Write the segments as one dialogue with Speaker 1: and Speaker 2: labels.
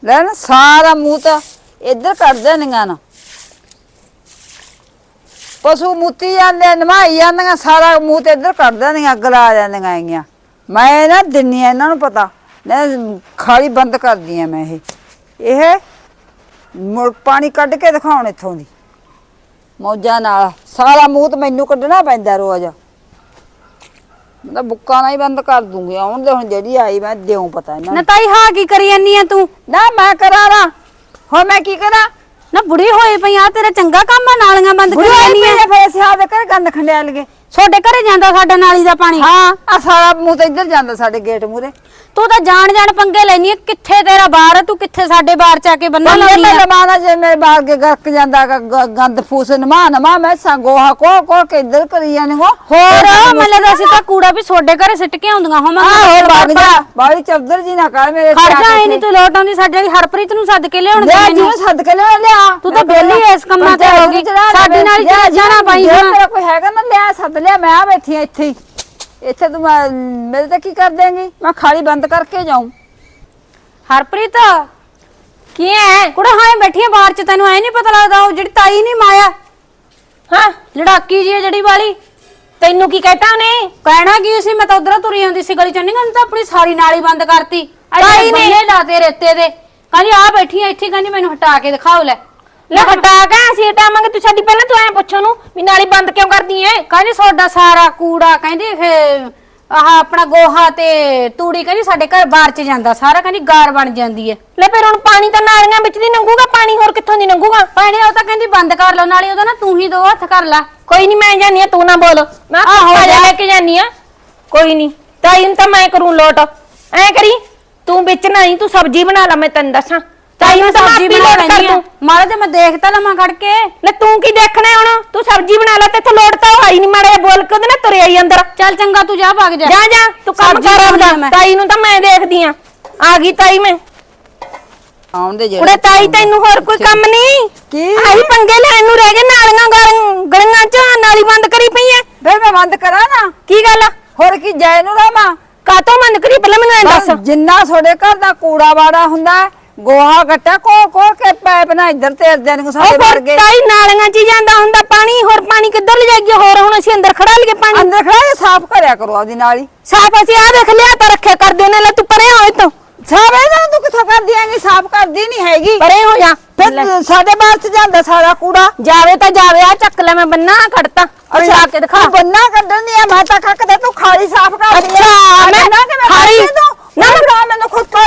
Speaker 1: ਲੈ ਨਾ ਸਾਰਾ ਮੂੰਹ ਤਾਂ ਇੱਧਰ ਕੱਢ ਦੇਣੀਆਂ ਨਾ ਪਸ਼ੂ ਮੂਤੀ ਜਾਂਦੇ ਨਮਾਈ ਜਾਂਦੀਆਂ ਸਾਰਾ ਮੂੰਹ ਤੇ ਇੱਧਰ ਕੱਢ ਦੇਣੀਆਂ ਗਲਾ ਜਾਂਦੀਆਂ ਹੈਗੀਆਂ ਮੈਂ ਨਾ ਦਿੰਨੀ ਆ ਇਹਨਾਂ ਨੂੰ ਪਤਾ ਨਾ ਖਾਲੀ ਬੰਦ ਕਰਦੀ ਆ ਮੈਂ ਇਹ ਮੁੜ ਪਾਣੀ ਕੱਢ ਕੇ ਦਿਖਾਉਣ ਇੱਥੋਂ ਦੀ ਮੌਜਾਂ ਨਾਲ ਸਾਰਾ ਮੂੰਹ ਤੇ ਮੈਨੂੰ ਕੱਢਣਾ ਪੈਂਦਾ ਰੋਜ਼ ਮੈਂ ਤਾਂ ਬੁੱਕਾ ਨਾਲ ਹੀ ਬੰਦ ਕਰ ਦੂੰਗੀ ਆਉਣ ਦੇ ਹੁਣ ਜਿਹੜੀ ਆਈ ਮੈਂ ਦਿਉ ਪਤਾ ਇਹਨਾਂ
Speaker 2: ਨਾ ਤਾਈ ਹਾਂ ਕੀ ਕਰੀ ਜਾਨੀ ਆ ਤੂੰ
Speaker 1: ਨਾ ਮੈਂ ਕਰਾਂ ਨਾ ਹੋਰ ਮੈਂ ਕੀ ਕਰਾਂ
Speaker 2: ਨਾ ਬੁੜੀ ਹੋਈ ਪਈ ਆ ਤੇਰਾ ਚੰਗਾ ਕੰਮ ਆ ਨਾਲੀਆਂ ਬੰਦ ਕਰੀ ਜਾਨੀ ਆ
Speaker 1: ਫੇਰ ਸਿਆਹ ਦੇ ਘਰ ਗੰਦ ਖੰਡਿਆ ਲਗੇ
Speaker 2: ਛੋਟੇ ਘਰੇ ਜਾਂਦਾ ਸਾਡਾ ਨਾਲੀ ਦਾ ਪਾਣੀ
Speaker 1: ਹਾਂ ਆ ਸਾਰਾ ਮੂੰਹ ਤੇ ਇੱਧਰ ਜਾਂਦਾ ਸਾਡੇ ਗੇਟ ਮੂਰੇ
Speaker 2: ਤੂੰ ਤਾਂ ਜਾਣ ਪੰਗੇ ਲੈਣੀ ਆ ਕਿੱਥੇ ਤੇਰਾ ਬਾਰ ਤੂੰ ਕਿੱਥੇ ਸਾਡੇ ਬਾਰ ਚ ਆ ਕੇ ਬੰਨਾ ਲਾਉਣੀ ਆ
Speaker 1: ਮਾਨਾ ਜੇ ਮੇਰੇ ਬਾਹਰ ਕੇ ਗਰਕ ਜਾਂਦਾ ਗੰਦ ਫੂਸ ਨਮਾ ਮੈਂ ਗੋਹਾ ਕੋ ਕੇ ਇੱਧਰ ਕਰੀ ਜਾਣੇ
Speaker 2: ਹੋਰ ਮੈਨੂੰ ਤਾਂ ਅਸੀਂ ਤਾਂ ਕੂੜਾ ਵੀ ਛੋਡੇ ਘਰੇ ਸਿੱਟ ਕੇ ਆਉਂਦੀਆਂ
Speaker 1: ਹੋਰ ਵਗ ਜਾ ਬਾੜੀ ਚੌਧਰ ਜੀ ਨਾ ਕਰ ਮੇਰੇ
Speaker 2: ਖੜ ਜਾ ਨਹੀਂ ਤੂੰ ਲੋਟ ਆਉਂਦੀ ਸਾਡੇ ਹਰਪ੍ਰੀਤ ਨੂੰ ਸੱਦ ਕੇ ਲਿਆਉਣ ਦੇ
Speaker 1: ਮੈਨੂੰ ਸੱਦ ਕੇ ਲਿਆ
Speaker 2: ਤੂੰ ਤਾਂ ਬੇਲੀ ਇਸ ਕੰਮਾਂ ਤੇ ਹੋ ਗਈ ਸਾਡੀ ਨਾਲ ਜਾਣਾ ਪਾਈ
Speaker 1: ਮੇਰਾ ਕੋਈ ਹੈਗਾ ਨਾ ਲਿਆ ਸੱਦ ਲਿਆ ਮੈਂ ਆ ਬੈਠੀ ਇੱਥੇ ਹੀ ਇੱਥੇ ਤੂੰ ਮੇਰੇ ਤੇ ਕੀ ਕਰ ਦੇਂਗੀ ਮੈਂ ਖਾਲੀ ਬੰਦ ਕਰਕੇ ਜਾਉਂ
Speaker 2: ਹਰਪ੍ਰੀਤ ਕੀ ਹੈ ਕੁੜਾ ਹਾਂ ਬੈਠੀ ਆ ਬਾਹਰ ਚ ਤੈਨੂੰ ਐ ਨਹੀਂ ਪਤਾ ਲੱਗਦਾ ਉਹ ਜਿਹੜੀ ਤਾਈ ਨਹੀਂ ਮਾਇਆ ਹਾਂ ਲੜਾਕੀ ਜੀ ਜਿਹੜੀ ਵਾਲੀ ਤੈਨੂੰ ਕੀ ਕਹਿਤਾ ਉਹਨੇ ਕਹਿਣਾ ਕੀ ਸੀ ਮੈਂ ਤਾਂ ਉਧਰੋਂ ਤੁਰੀ ਆਉਂਦੀ ਸੀ ਗਲੀ ਚ ਨਹੀਂ ਤਾਂ ਆਪਣੀ ਸਾਰੀ ਨਾਲੀ ਬੰਦ ਕਰਤੀ ਤਾਈ ਨੇ ਲਾਤੇ ਰੇਤੇ ਦੇ ਕਹਿੰਦੀ ਆ ਬੈਠੀ ਆ ਇੱਥੇ ਕਹਿੰਦੀ ਮੈਨੂੰ ਹਟਾ ਕੇ ਦਿਖਾਓ ਲੈ
Speaker 3: ਹਟਾ ਕੇ ਅਸੀਂ ਹਟਾਵਾਂਗੇ ਤੂੰ ਸਾਡੀ ਪਹਿਲਾਂ ਤੂੰ ਐ ਪੁੱਛੋ ਨੂੰ ਵੀ ਨਾਲੀ ਬੰਦ ਕਿਉਂ ਕਰਦੀ ਐ
Speaker 2: ਕਹਿੰਦੀ ਤੁਹਾਡਾ ਸਾਰਾ ਕੂੜਾ ਕਹਿੰਦੀ ਫੇ ਆਹ ਆਪਣਾ ਗੋਹਾ ਤੇ ਤੂੜੀ ਕਹਿੰਦੀ ਸਾਡੇ ਘਰ ਬਾਹਰ ਚ ਜਾਂਦਾ ਸਾਰਾ ਕਹਿੰਦੀ ਗਾਰ ਬਣ ਜਾਂਦੀ ਐ
Speaker 3: ਲੈ ਫਿਰ ਹੁਣ ਪਾਣੀ ਤਾਂ ਨਾਲੀਆਂ ਵਿੱਚ ਦੀ ਲੰਘੂਗਾ ਪਾਣੀ ਹੋਰ ਕਿੱਥੋਂ ਦੀ ਲੰਘੂਗਾ
Speaker 2: ਪਾਣੀ ਉਹ ਤਾਂ ਕਹਿੰਦੀ ਬੰਦ ਕਰ ਲਓ ਨਾਲੇ ਉਹਦਾ ਨਾ ਤੂੰ ਹੀ ਦੋ ਹੱਥ ਕਰ ਲੈ
Speaker 3: ਕੋਈ ਨਹੀਂ ਮੈਂ ਜਾਨੀ ਆ ਤੂੰ ਨਾ ਬੋਲ ਮੈਂ ਲੈ ਕੇ ਜਾਨੀ ਆ ਕੋਈ ਨਹੀਂ ਤਾਈ ਨੂੰ ਤਾਂ ਮੈਂ ਕਰੂੰ ਲੋਟ ਐ ਕਰੀ ਤੂੰ ਵਿੱਚ ਨਹੀਂ ਤੂੰ ਸਬਜ਼ੀ ਬਣਾ ਲੈ ਮੈਂ ਤੈਨੂੰ ਦੱਸਾਂ ਤਾਈ ਨੂੰ ਤਾਂ
Speaker 2: ਸਬਜ਼ੀ ਬਣਾ ਲੈਣੀ ਆ ਮਾਰੇ ਤੇ ਮੈਂ ਦੇਖਤਾ ਲਵਾਂ ਖੜ ਕੇ
Speaker 3: ਲੈ ਤੂੰ ਕੀ ਦੇਖਣਾ ਹੁਣ ਤੂੰ ਸਬਜ਼ੀ ਬਣਾ ਲੈ ਤੇ ਇੱਥੇ ਲੋਟ ਤਾਂ ਆਈ ਨਹੀਂ ਮਾੜੇ ਬੋਲ ਕੇ ਉਹਦੇ ਨਾਲ ਤੁਰਿਆ ਹੀ ਅੰਦਰ
Speaker 2: ਚੱਲ ਚੰਗਾ ਤੂੰ ਜਾ ਭਾਗ ਜਾ
Speaker 3: ਜਾ ਤੂੰ ਕੰਮ ਕਰ ਆਪਦਾ ਤਾਈ ਨੂੰ ਤਾਂ ਮੈਂ ਦੇਖਦੀ ਆ ਗਈ ਤਾਈ ਮੈਂ
Speaker 1: ਆਉਂਦੇ ਜਿਹੜੇ
Speaker 3: ਕੁੜੇ ਤਾਈ ਤੈਨੂੰ ਹੋਰ ਕੋਈ ਕੰਮ ਨਹੀਂ
Speaker 1: ਕੀ
Speaker 3: ਆਹੀ ਪੰਗੇ ਲੈਣ ਨੂੰ ਰਹਿ ਗਏ ਨਾਲੀਆਂ ਗਲੀਆਂ ਚ ਨਾਲੀ ਬੰਦ ਕਰੀ ਪਈ ਐ
Speaker 1: ਵੇ ਮੈਂ ਬੰਦ ਕਰਾਂ ਨਾ
Speaker 3: ਕੀ ਗੱਲ
Speaker 1: ਹੋਰ ਕੀ ਜੈ ਨੂੰ ਰਾਮਾ
Speaker 3: ਕਾਤੋਂ ਬੰਦ ਕਰੀ ਪਹਿਲਾਂ ਮੈਨੂੰ ਐਂ ਦੱਸ
Speaker 1: ਜਿੰਨਾ ਤੁਹਾਡੇ ਘਰ ਦਾ ਕੂੜਾ ਵਾੜਾ ਹੁੰਦਾ ਗੋਹਾ ਗੱਟਾ ਕੋ ਕੇ ਪੈਪ ਨਾ ਇੱਧਰ ਤੇਰਦੇ ਨੇ ਸਾਡੇ ਵਰਗੇ
Speaker 3: ਤਾਈ ਨਾਲੀਆਂ ਚ ਜਾਂਦਾ ਹੁੰਦਾ ਪਾਣੀ ਹੋਰ ਪਾਣੀ ਕਿੱਧਰ ਲੈ ਜਾਈਏ ਹੋਰ ਹੁਣ ਅਸੀਂ ਅੰਦਰ ਖੜਾ ਲਈਏ ਪਾਣੀ
Speaker 1: ਅੰਦਰ ਖੜਾ ਸਾਫ਼ ਕਰਿਆ ਕਰੋ ਆਪਦੀ ਨਾਲੀ
Speaker 3: ਸਾਫ ਅਸੀਂ ਆ ਦੇਖ ਲਿਆ ਤਾਂ ਰੱਖਿਆ ਕਰਦੇ ਨੇ ਲੈ ਤੂੰ ਪਰੇ ਹੋਏ ਤੂੰ
Speaker 1: ਸਾਫ ਇਹਦਾ ਤੂੰ ਕਿੱਥੋਂ ਕਰ ਦਿਆਂਗੀ ਸਾਫ਼ ਕਰਦੀ ਨਹੀਂ ਹੈਗੀ
Speaker 3: ਪਰੇ ਹੋ ਜਾ
Speaker 1: ਫਿਰ ਸਾਡੇ ਬਾਹਰ ਚ ਜਾਂਦਾ ਸਾਰਾ ਕੂੜਾ
Speaker 3: ਜਾਵੇ ਤਾਂ ਜਾਵੇ ਆ ਚੱਕ ਲੈ ਮੈਂ ਬੰਨਾ ਕੱਢਤਾ
Speaker 1: ਅੱਛਾ ਕੇ ਦਿਖਾ ਬੰਨਾ ਕੱਢਣ ਦੀ ਆ ਮੈਂ ਤਾਂ ਕੱਕਦਾ ਤੂੰ ਖਾਲੀ ਸਾਫ਼ ਕਰਦੀ
Speaker 3: ਅੱਛਾ ਮੈਂ ਖਾਲੀ
Speaker 1: ਨਾ ਮੈਨੂੰ ਖੁਦ ਪਾ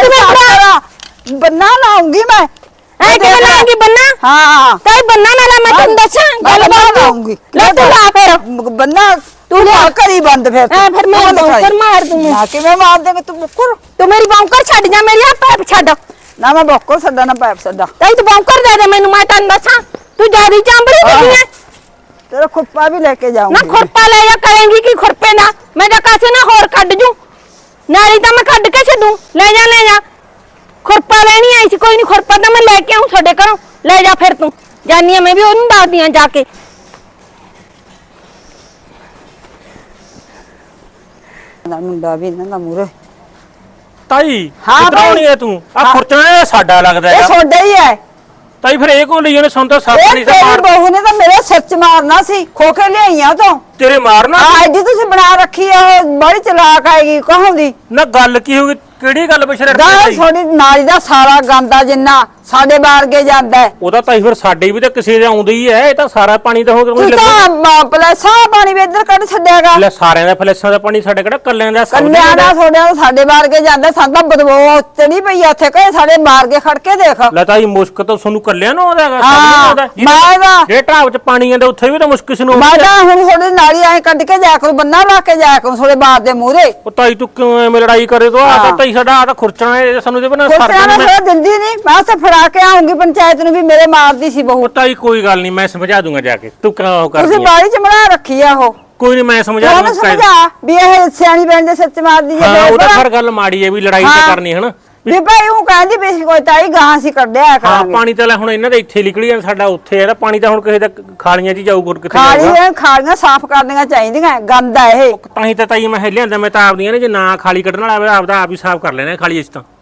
Speaker 1: ਜਾ ਬੰਨਾ ਲਾਉਂਗੀ ਮੈਂ
Speaker 3: ਐ ਕਿਵੇਂ ਲਾਉਂਗੀ ਬੰਨਾ
Speaker 1: ਹਾਂ
Speaker 3: ਤਾਈ ਬੰਨਾ ਨਾ ਲਾ ਮੈਂ ਤੈਨੂੰ ਦੱਸਾਂ ਗੱਲ
Speaker 1: ਲਾਉਂਗੀ
Speaker 3: ਲੈ ਤੂੰ ਲਾ ਫਿਰ
Speaker 1: ਬੰਨਾ ਤੂੰ ਲਿਆ ਕਰੀ ਬੰਦ ਫਿਰ
Speaker 3: ਐ ਫਿਰ ਮੈਂ ਬੌਂਕਰ ਮਾਰ ਦੂੰ
Speaker 1: ਨਾ ਕਿਵੇਂ ਮਾਰ ਦੇਂਗੇ ਤੂੰ ਬੁੱਕਰ
Speaker 3: ਤੂੰ ਮੇਰੀ ਬੌਂਕਰ ਛੱਡ ਜਾ ਮੇਰੀ ਆ ਪੈਪ ਛੱਡ
Speaker 1: ਨਾ ਮੈਂ ਬੁੱਕਰ ਛੱਡਾ ਨਾ ਪੈਪ ਛੱਡਾ
Speaker 3: ਤਾਈ ਤੂੰ ਬੌਂਕਰ ਦੇ ਦੇ ਮੈਨੂੰ ਮੈਂ ਤੈਨੂੰ ਦੱਸਾਂ ਤੂੰ ਜਿਆਦੀ ਚਾਂਬੜੀ ਦਿੱਤੀ ਐ
Speaker 1: ਤੇਰਾ ਖੁਰਪਾ ਵੀ ਲੈ ਕੇ ਜਾਊਂਗੀ
Speaker 3: ਨਾ ਖੁਰਪਾ ਲੈ ਜਾ ਕਰੇਂਗੀ ਕੀ ਖੁਰਪੇ ਨਾ ਮੈਂ ਤਾਂ ਕਾਸੇ ਨਾ ਹੋਰ ਕੱਢ ਜੂ ਨਾਲੀ ਤਾਂ ਮੈਂ ਕੱਢ ਕੇ ਛੱਡੂ ਲੈ ਜਾ ਖੁਰਪਾ ਲੈਣੀ ਆਈ ਸੀ ਕੋਈ ਨਹੀਂ ਖੁਰਪਾ ਤਾਂ ਮੈਂ ਲੈ ਕੇ ਆਉਂ ਤੁਹਾਡੇ ਘਰੋਂ ਲੈ ਜਾ ਫਿਰ ਤੂੰ ਜਾਨੀ ਆ ਮੈਂ ਵੀ ਉਹਨੂੰ ਦੱਸਦੀ ਆ ਜਾ ਕੇ
Speaker 1: ਨਾ ਮੁੰਡਾ ਵੀ ਇਹਨਾਂ ਦਾ ਮੂਰੇ
Speaker 4: ਤਾਈ
Speaker 1: ਹਾਂ
Speaker 4: ਕਿੱਧਰ ਆਉਣੀ ਐ ਤੂੰ ਆ ਖੁਰਚਣਾ ਸਾਡਾ ਲੱਗਦਾ
Speaker 1: ਇਹ
Speaker 4: ਹੈ
Speaker 1: ਛੋਡਾ ਹੀ ਹੈ
Speaker 4: ਤਾਈ ਫਿਰ ਇਹ ਕੋਲ ਲਈ ਉਹਨੇ ਸੁਣ ਤਾਂ ਸੱਪ
Speaker 1: ਇਹ
Speaker 4: ਨਹੀਂ ਤਾਂ
Speaker 1: ਤੇਰੀ
Speaker 4: ਮਾਰ
Speaker 1: ਬਹੂ ਨੇ ਤਾਂ ਮੇਰੇ ਸੱਚ ਮਾਰਨਾ ਸੀ ਖੋਕੇ ਲਿਆਈਆਂ ਤੋਂ
Speaker 4: ਤੇਰੇ ਮਾਰਨਾ
Speaker 1: ਆ ਐਡੀ ਤੁਸੀਂ ਬਣਾ ਰੱਖੀ ਆ ਉਹ ਬੜੀ ਚਲਾਕ ਆਏਗੀ ਕਹੋਂਦੀ
Speaker 4: ਨਾ ਗੱਲ ਕੀ ਹੋ ਗਈ ਕਿਹੜੀ ਗੱਲ ਪਿਛੜ
Speaker 1: ਦਾ ਥੋੜੀ ਨਾਲੀ ਦਾ ਸਾਰਾ ਗੰਦਾ ਜਿੰਨਾ ਸਾਡੇ ਬਾਰਗੇ ਜਾਂਦਾ ਹੈ
Speaker 4: ਉਹਦਾ ਤਾਈ ਫਿਰ ਸਾਡੇ ਵੀ ਤਾਂ ਕਿਸੇ ਦੇ ਆਉਂਦਾ ਹੀ ਹੈ ਇਹ ਤਾਂ ਸਾਰਾ ਪਾਣੀ ਤਾਂ ਹੋ
Speaker 1: ਤੂੰ ਤਾਂ ਪਲੇਸਾ ਪਾਣੀ ਵੀ ਇੱਧਰ ਕੱਢ ਛੱਡਿਆਗਾ
Speaker 4: ਲੈ ਸਾਰਿਆਂ ਦਾ ਫਲੈਸਾਂ ਦਾ ਪਾਣੀ ਸਾਡੇ ਕਿਹੜਾ ਕੱਲਿਆਂ ਦਾ ਸਭ
Speaker 1: ਕੰਨਿਆਂ ਦਾ ਥੋੜਿਆਂ ਦਾ ਸਾਡੇ ਬਾਰਗੇ ਜਾਂਦਾ ਸਾਨੂੰ ਤਾਂ ਬਦਬੂ ਚੜੀ ਪਈ ਆ ਉੱਥੇ ਕਹੇ ਸਾਡੇ ਬਾਰਗੇ ਖੜ ਕੇ ਦੇਖ
Speaker 4: ਲੈ ਤਾਈ ਮੁਸ਼ਕ ਤਾਂ ਤੁਹਾਨੂੰ ਕੱਲਿਆਂ ਨੂੰ ਆਉਂਦਾ ਹੈਗਾ
Speaker 1: ਹਾਂ ਮੈਂ ਦਾ
Speaker 4: ਜੇ ਢਾਬ ਚ ਪਾਣੀ ਆਂਦਾ ਉੱਥੇ ਵੀ ਤਾਂ ਮੁਸ਼ਕ ਇਸ ਨੂੰ
Speaker 1: ਮੈਂ ਤਾਂ ਹੁਣ ਥੋੜੀ ਨਾਲੀ ਐ ਕੱਢ ਕੇ ਜਾਇਆ ਕਰੂ ਬੰਨਾ ਲਾ ਕੇ ਜਾਇਆ ਕਰੂ ਥੋੜੇ ਬਾਰ ਦੇ ਮੂਹਰੇ
Speaker 4: ਉਹ ਤਾਈ ਤੂੰ ਕਿਉਂ ਐਵੇਂ ਲੜਾਈ ਕਰੇ ਤੋ ਆ ਤਾਂ ਤਾਈ ਸਾਡਾ ਆ ਤਾਂ ਖੁਰਚਣਾ ਹੈ ਸਾਨੂੰ ਤੇ ਬਣਾ
Speaker 1: ਕੁੱਤਿਆਂ ਨੂੰ ਥੋੜਾ ਦਿੰਦੀ ਨਹੀਂ ਮੈਂ ਤਾਂ ਫੜਾ ਕੇ ਆਉਂਗੀ ਪੰਚਾਇਤ ਨੂੰ ਵੀ ਮੇਰੇ ਮਾਰਦੀ ਸੀ ਬਹੂ
Speaker 4: ਤਾਈ ਕੋਈ ਗੱਲ ਨਹੀਂ ਮੈਂ ਸਮਝਾ ਦੂੰਗਾ ਜਾ ਕੇ ਤੂੰ ਕਿਉਂ ਕਰਦੀ
Speaker 1: ਤੁਸੀਂ ਬਾੜੀ ਚ ਬਣਾ ਰੱਖੀ ਆ ਉਹ
Speaker 4: ਕੋਈ ਨਹੀਂ ਮੈਂ ਸਮਝਾ
Speaker 1: ਉਹਨੂੰ ਸਮਝਾ ਵੀ ਇਹ ਸਿਆਣੀ ਬੈਣ ਦੇ ਸੱਚ ਮਾਰਦੀ
Speaker 4: ਹਾਂ
Speaker 1: ਜੇ
Speaker 4: ਉਹ ਤਾਂ ਫਿਰ ਗੱਲ ਮਾੜੀ ਹੈ ਵੀ ਲੜਾਈ ਤਾਂ ਕਰਨੀ ਹੈ ਨਾ
Speaker 1: ਵੀ ਭਾਈ ਉਹ ਕਹਿੰਦੀ ਵੀ ਕੋਈ ਤਾਈ ਗਾਂ ਸੀ ਕੱਢਿਆ
Speaker 4: ਹਾਂ
Speaker 1: ਕਰਾਂਗੇ
Speaker 4: ਪਾਣੀ ਤਾਂ ਲੈ ਹੁਣ ਇਹਨਾਂ ਦੇ ਇੱਥੇ ਨਿਕਲੀ ਜਾਂ ਸਾਡਾ ਉੱਥੇ ਹੈ ਪਾਣੀ ਤਾਂ ਹੁਣ ਕਿਸੇ ਦਾ ਖਾਲੀਆਂ 'ਚ ਜਾਊ ਗੁਰ ਕਿੱਥੇ
Speaker 1: ਖਾਲੀਆਂ ਸਾਫ਼ ਕਰਨੀਆਂ ਚਾਹੀਦੀਆਂ ਗੰਦ ਆ ਇਹ
Speaker 4: ਤਾਂ ਹੀ ਤਾਂ ਤਾਈ ਮੈਂ ਲਿਆਂਦਾ ਮੈਂ ਤਾਂ ਆਪਦੀਆਂ ਨੇ ਜੇ ਨਾ ਖਾਲੀ ਕੱਢਣ ਵਾਲਾ ਆਪਦਾ ਆਪ ਹੀ ਸਾਫ਼ ਕਰ ਲੈਣਾ ਖਾਲੀ ਇਸ ਤਾਂ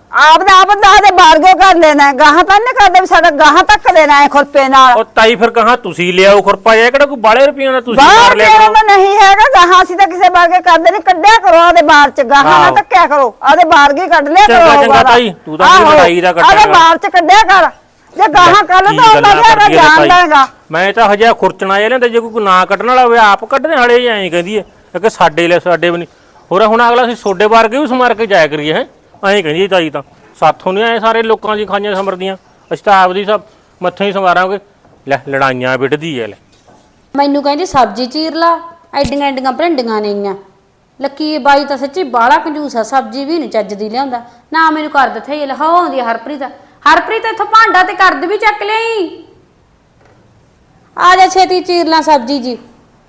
Speaker 1: ਆਪ ਦੇ ਬਾਰਗੋ ਕਰ ਲੈਣਾ ਗਾਹਾਂ ਤਾਂ ਨਹੀਂ ਕਰਦੇ ਵੀ ਸਾਡਾ ਗਾਹਾਂ ਤੱਕ ਦੇਣਾ ਹੈ ਖੁਰਪੇ ਨਾਲ।
Speaker 4: ਉਹ ਤਾਈ ਫਿਰ ਕਹਾ ਤੁਸੀਂ ਲਿਆਓ ਖੁਰਪਾ ਜਾਂ ਕਿਹੜਾ ਕੋਈ ਬਾਲੇ ਰੁਪਈਆਂ ਦਾ ਤੁਸੀਂ
Speaker 1: ਬਾਹਰ
Speaker 4: ਮਾਰ ਲਿਆ
Speaker 1: ਤੇਰਾ
Speaker 4: ਕਰੋ।
Speaker 1: ਤਾਂ ਨਹੀਂ ਹੈਗਾ ਗਾਹਾਂ ਅਸੀਂ ਤਾਂ ਕਿਸੇ ਬਾਰਗੇ ਕਰਦੇ ਨਹੀਂ ਕੱਢਿਆ ਕਰੋ ਆਦੇ ਬਾਹਰ ਚ ਗਾਹਾਂ ਨਾ ਧੱਕਿਆ ਕਰੋ ਆਦੇ ਬਾਰਗੇ ਕੱਢ ਲਿਆ ਕਰੋ।
Speaker 4: ਚੰਗਾ ਚੰਗਾ ਤਾਈ ਤੂੰ ਤਾਂ ਮੇਰੀ ਲੜਾਈ ਦਾ ਕੱਢਿਆ
Speaker 1: ਆਦੇ ਬਾਹਰ ਚ ਕੱਢਿਆ ਕਰ ਜੇ ਗਾਹਾਂ ਕੱਢ ਤਾਂ ਉਹਦਾ ਜਿਹੜਾ ਜਾਣਦਾ ਹੈਗਾ।
Speaker 4: ਮੈਂ ਤਾਂ ਹਜੇ ਖੁਰਚਣਾ ਇਹ ਲੈਂਦਾ ਜੇ ਕੋਈ ਨਾ ਕੱਢਣ ਵਾਲਾ ਹੋਵੇ ਆਪ ਕੱਢਦੇ ਹਲੇ ਐਂ ਕਹਿੰਦੀ ਹੈ ਕਿ ਸਾਡੇ ਲੈ ਸਾਡੇ ਵੀ ਨਹੀਂ ਹੋਰ ਹੁਣ ਅਗਲਾ ਅਸੀਂ ਸੋਡੇ ਵਾਰਗੇ ਵੀ ਸਮਾਰ ਕੇ ਜਾਇਆ ਕਰੀਏ ਹੈ ਐਂ ਕਹਿੰਦੀ ਤਾਈ ਤਾਂ ਸਾਥੋਂ ਨਹੀਂ ਆਏ ਸਾਰੇ ਲੋਕਾਂ ਦੀ ਖਾਈਆਂ ਸਮਰਦੀਆਂ ਅਸੀਂ ਤਾਂ ਆਪਦੀ ਸਭ ਮੱਥੇ ਹੀ ਸਮਾਰਾਂਗੇ ਲੈ ਲੜਾਈਆਂ ਵਿੱਢਦੀ ਐ ਲੈ
Speaker 2: ਮੈਨੂੰ ਕਹਿੰਦੀ ਸਬਜ਼ੀ ਚੀਰ ਲਾ ਐਡੀਆਂ ਐਡੀਆਂ ਭਿੰਡੀਆਂ ਨੇਗੀਆਂ ਲੱਕੀ ਬਾਈ ਤਾਂ ਸੱਚੀ ਬਾਲਾ ਕੰਜੂਸ ਆ ਸਬਜ਼ੀ ਵੀ ਨਹੀਂ ਚੱਜ ਦੀ ਲਿਆਉਂਦਾ ਨਾ ਮੈਨੂੰ ਕਰ ਦਿੱਥੇ ਇਹ ਲਹਾਉਂਦੀ ਹਰਪ੍ਰੀਤ ਇੱਥੋਂ ਭਾਂਡਾ ਤੇ ਕਰਦ ਵੀ ਚੱਕ ਲਈ ਆ ਜਾ ਛੇਤੀ ਚੀਰ ਲਾ ਸਬਜ਼ੀ ਜੀ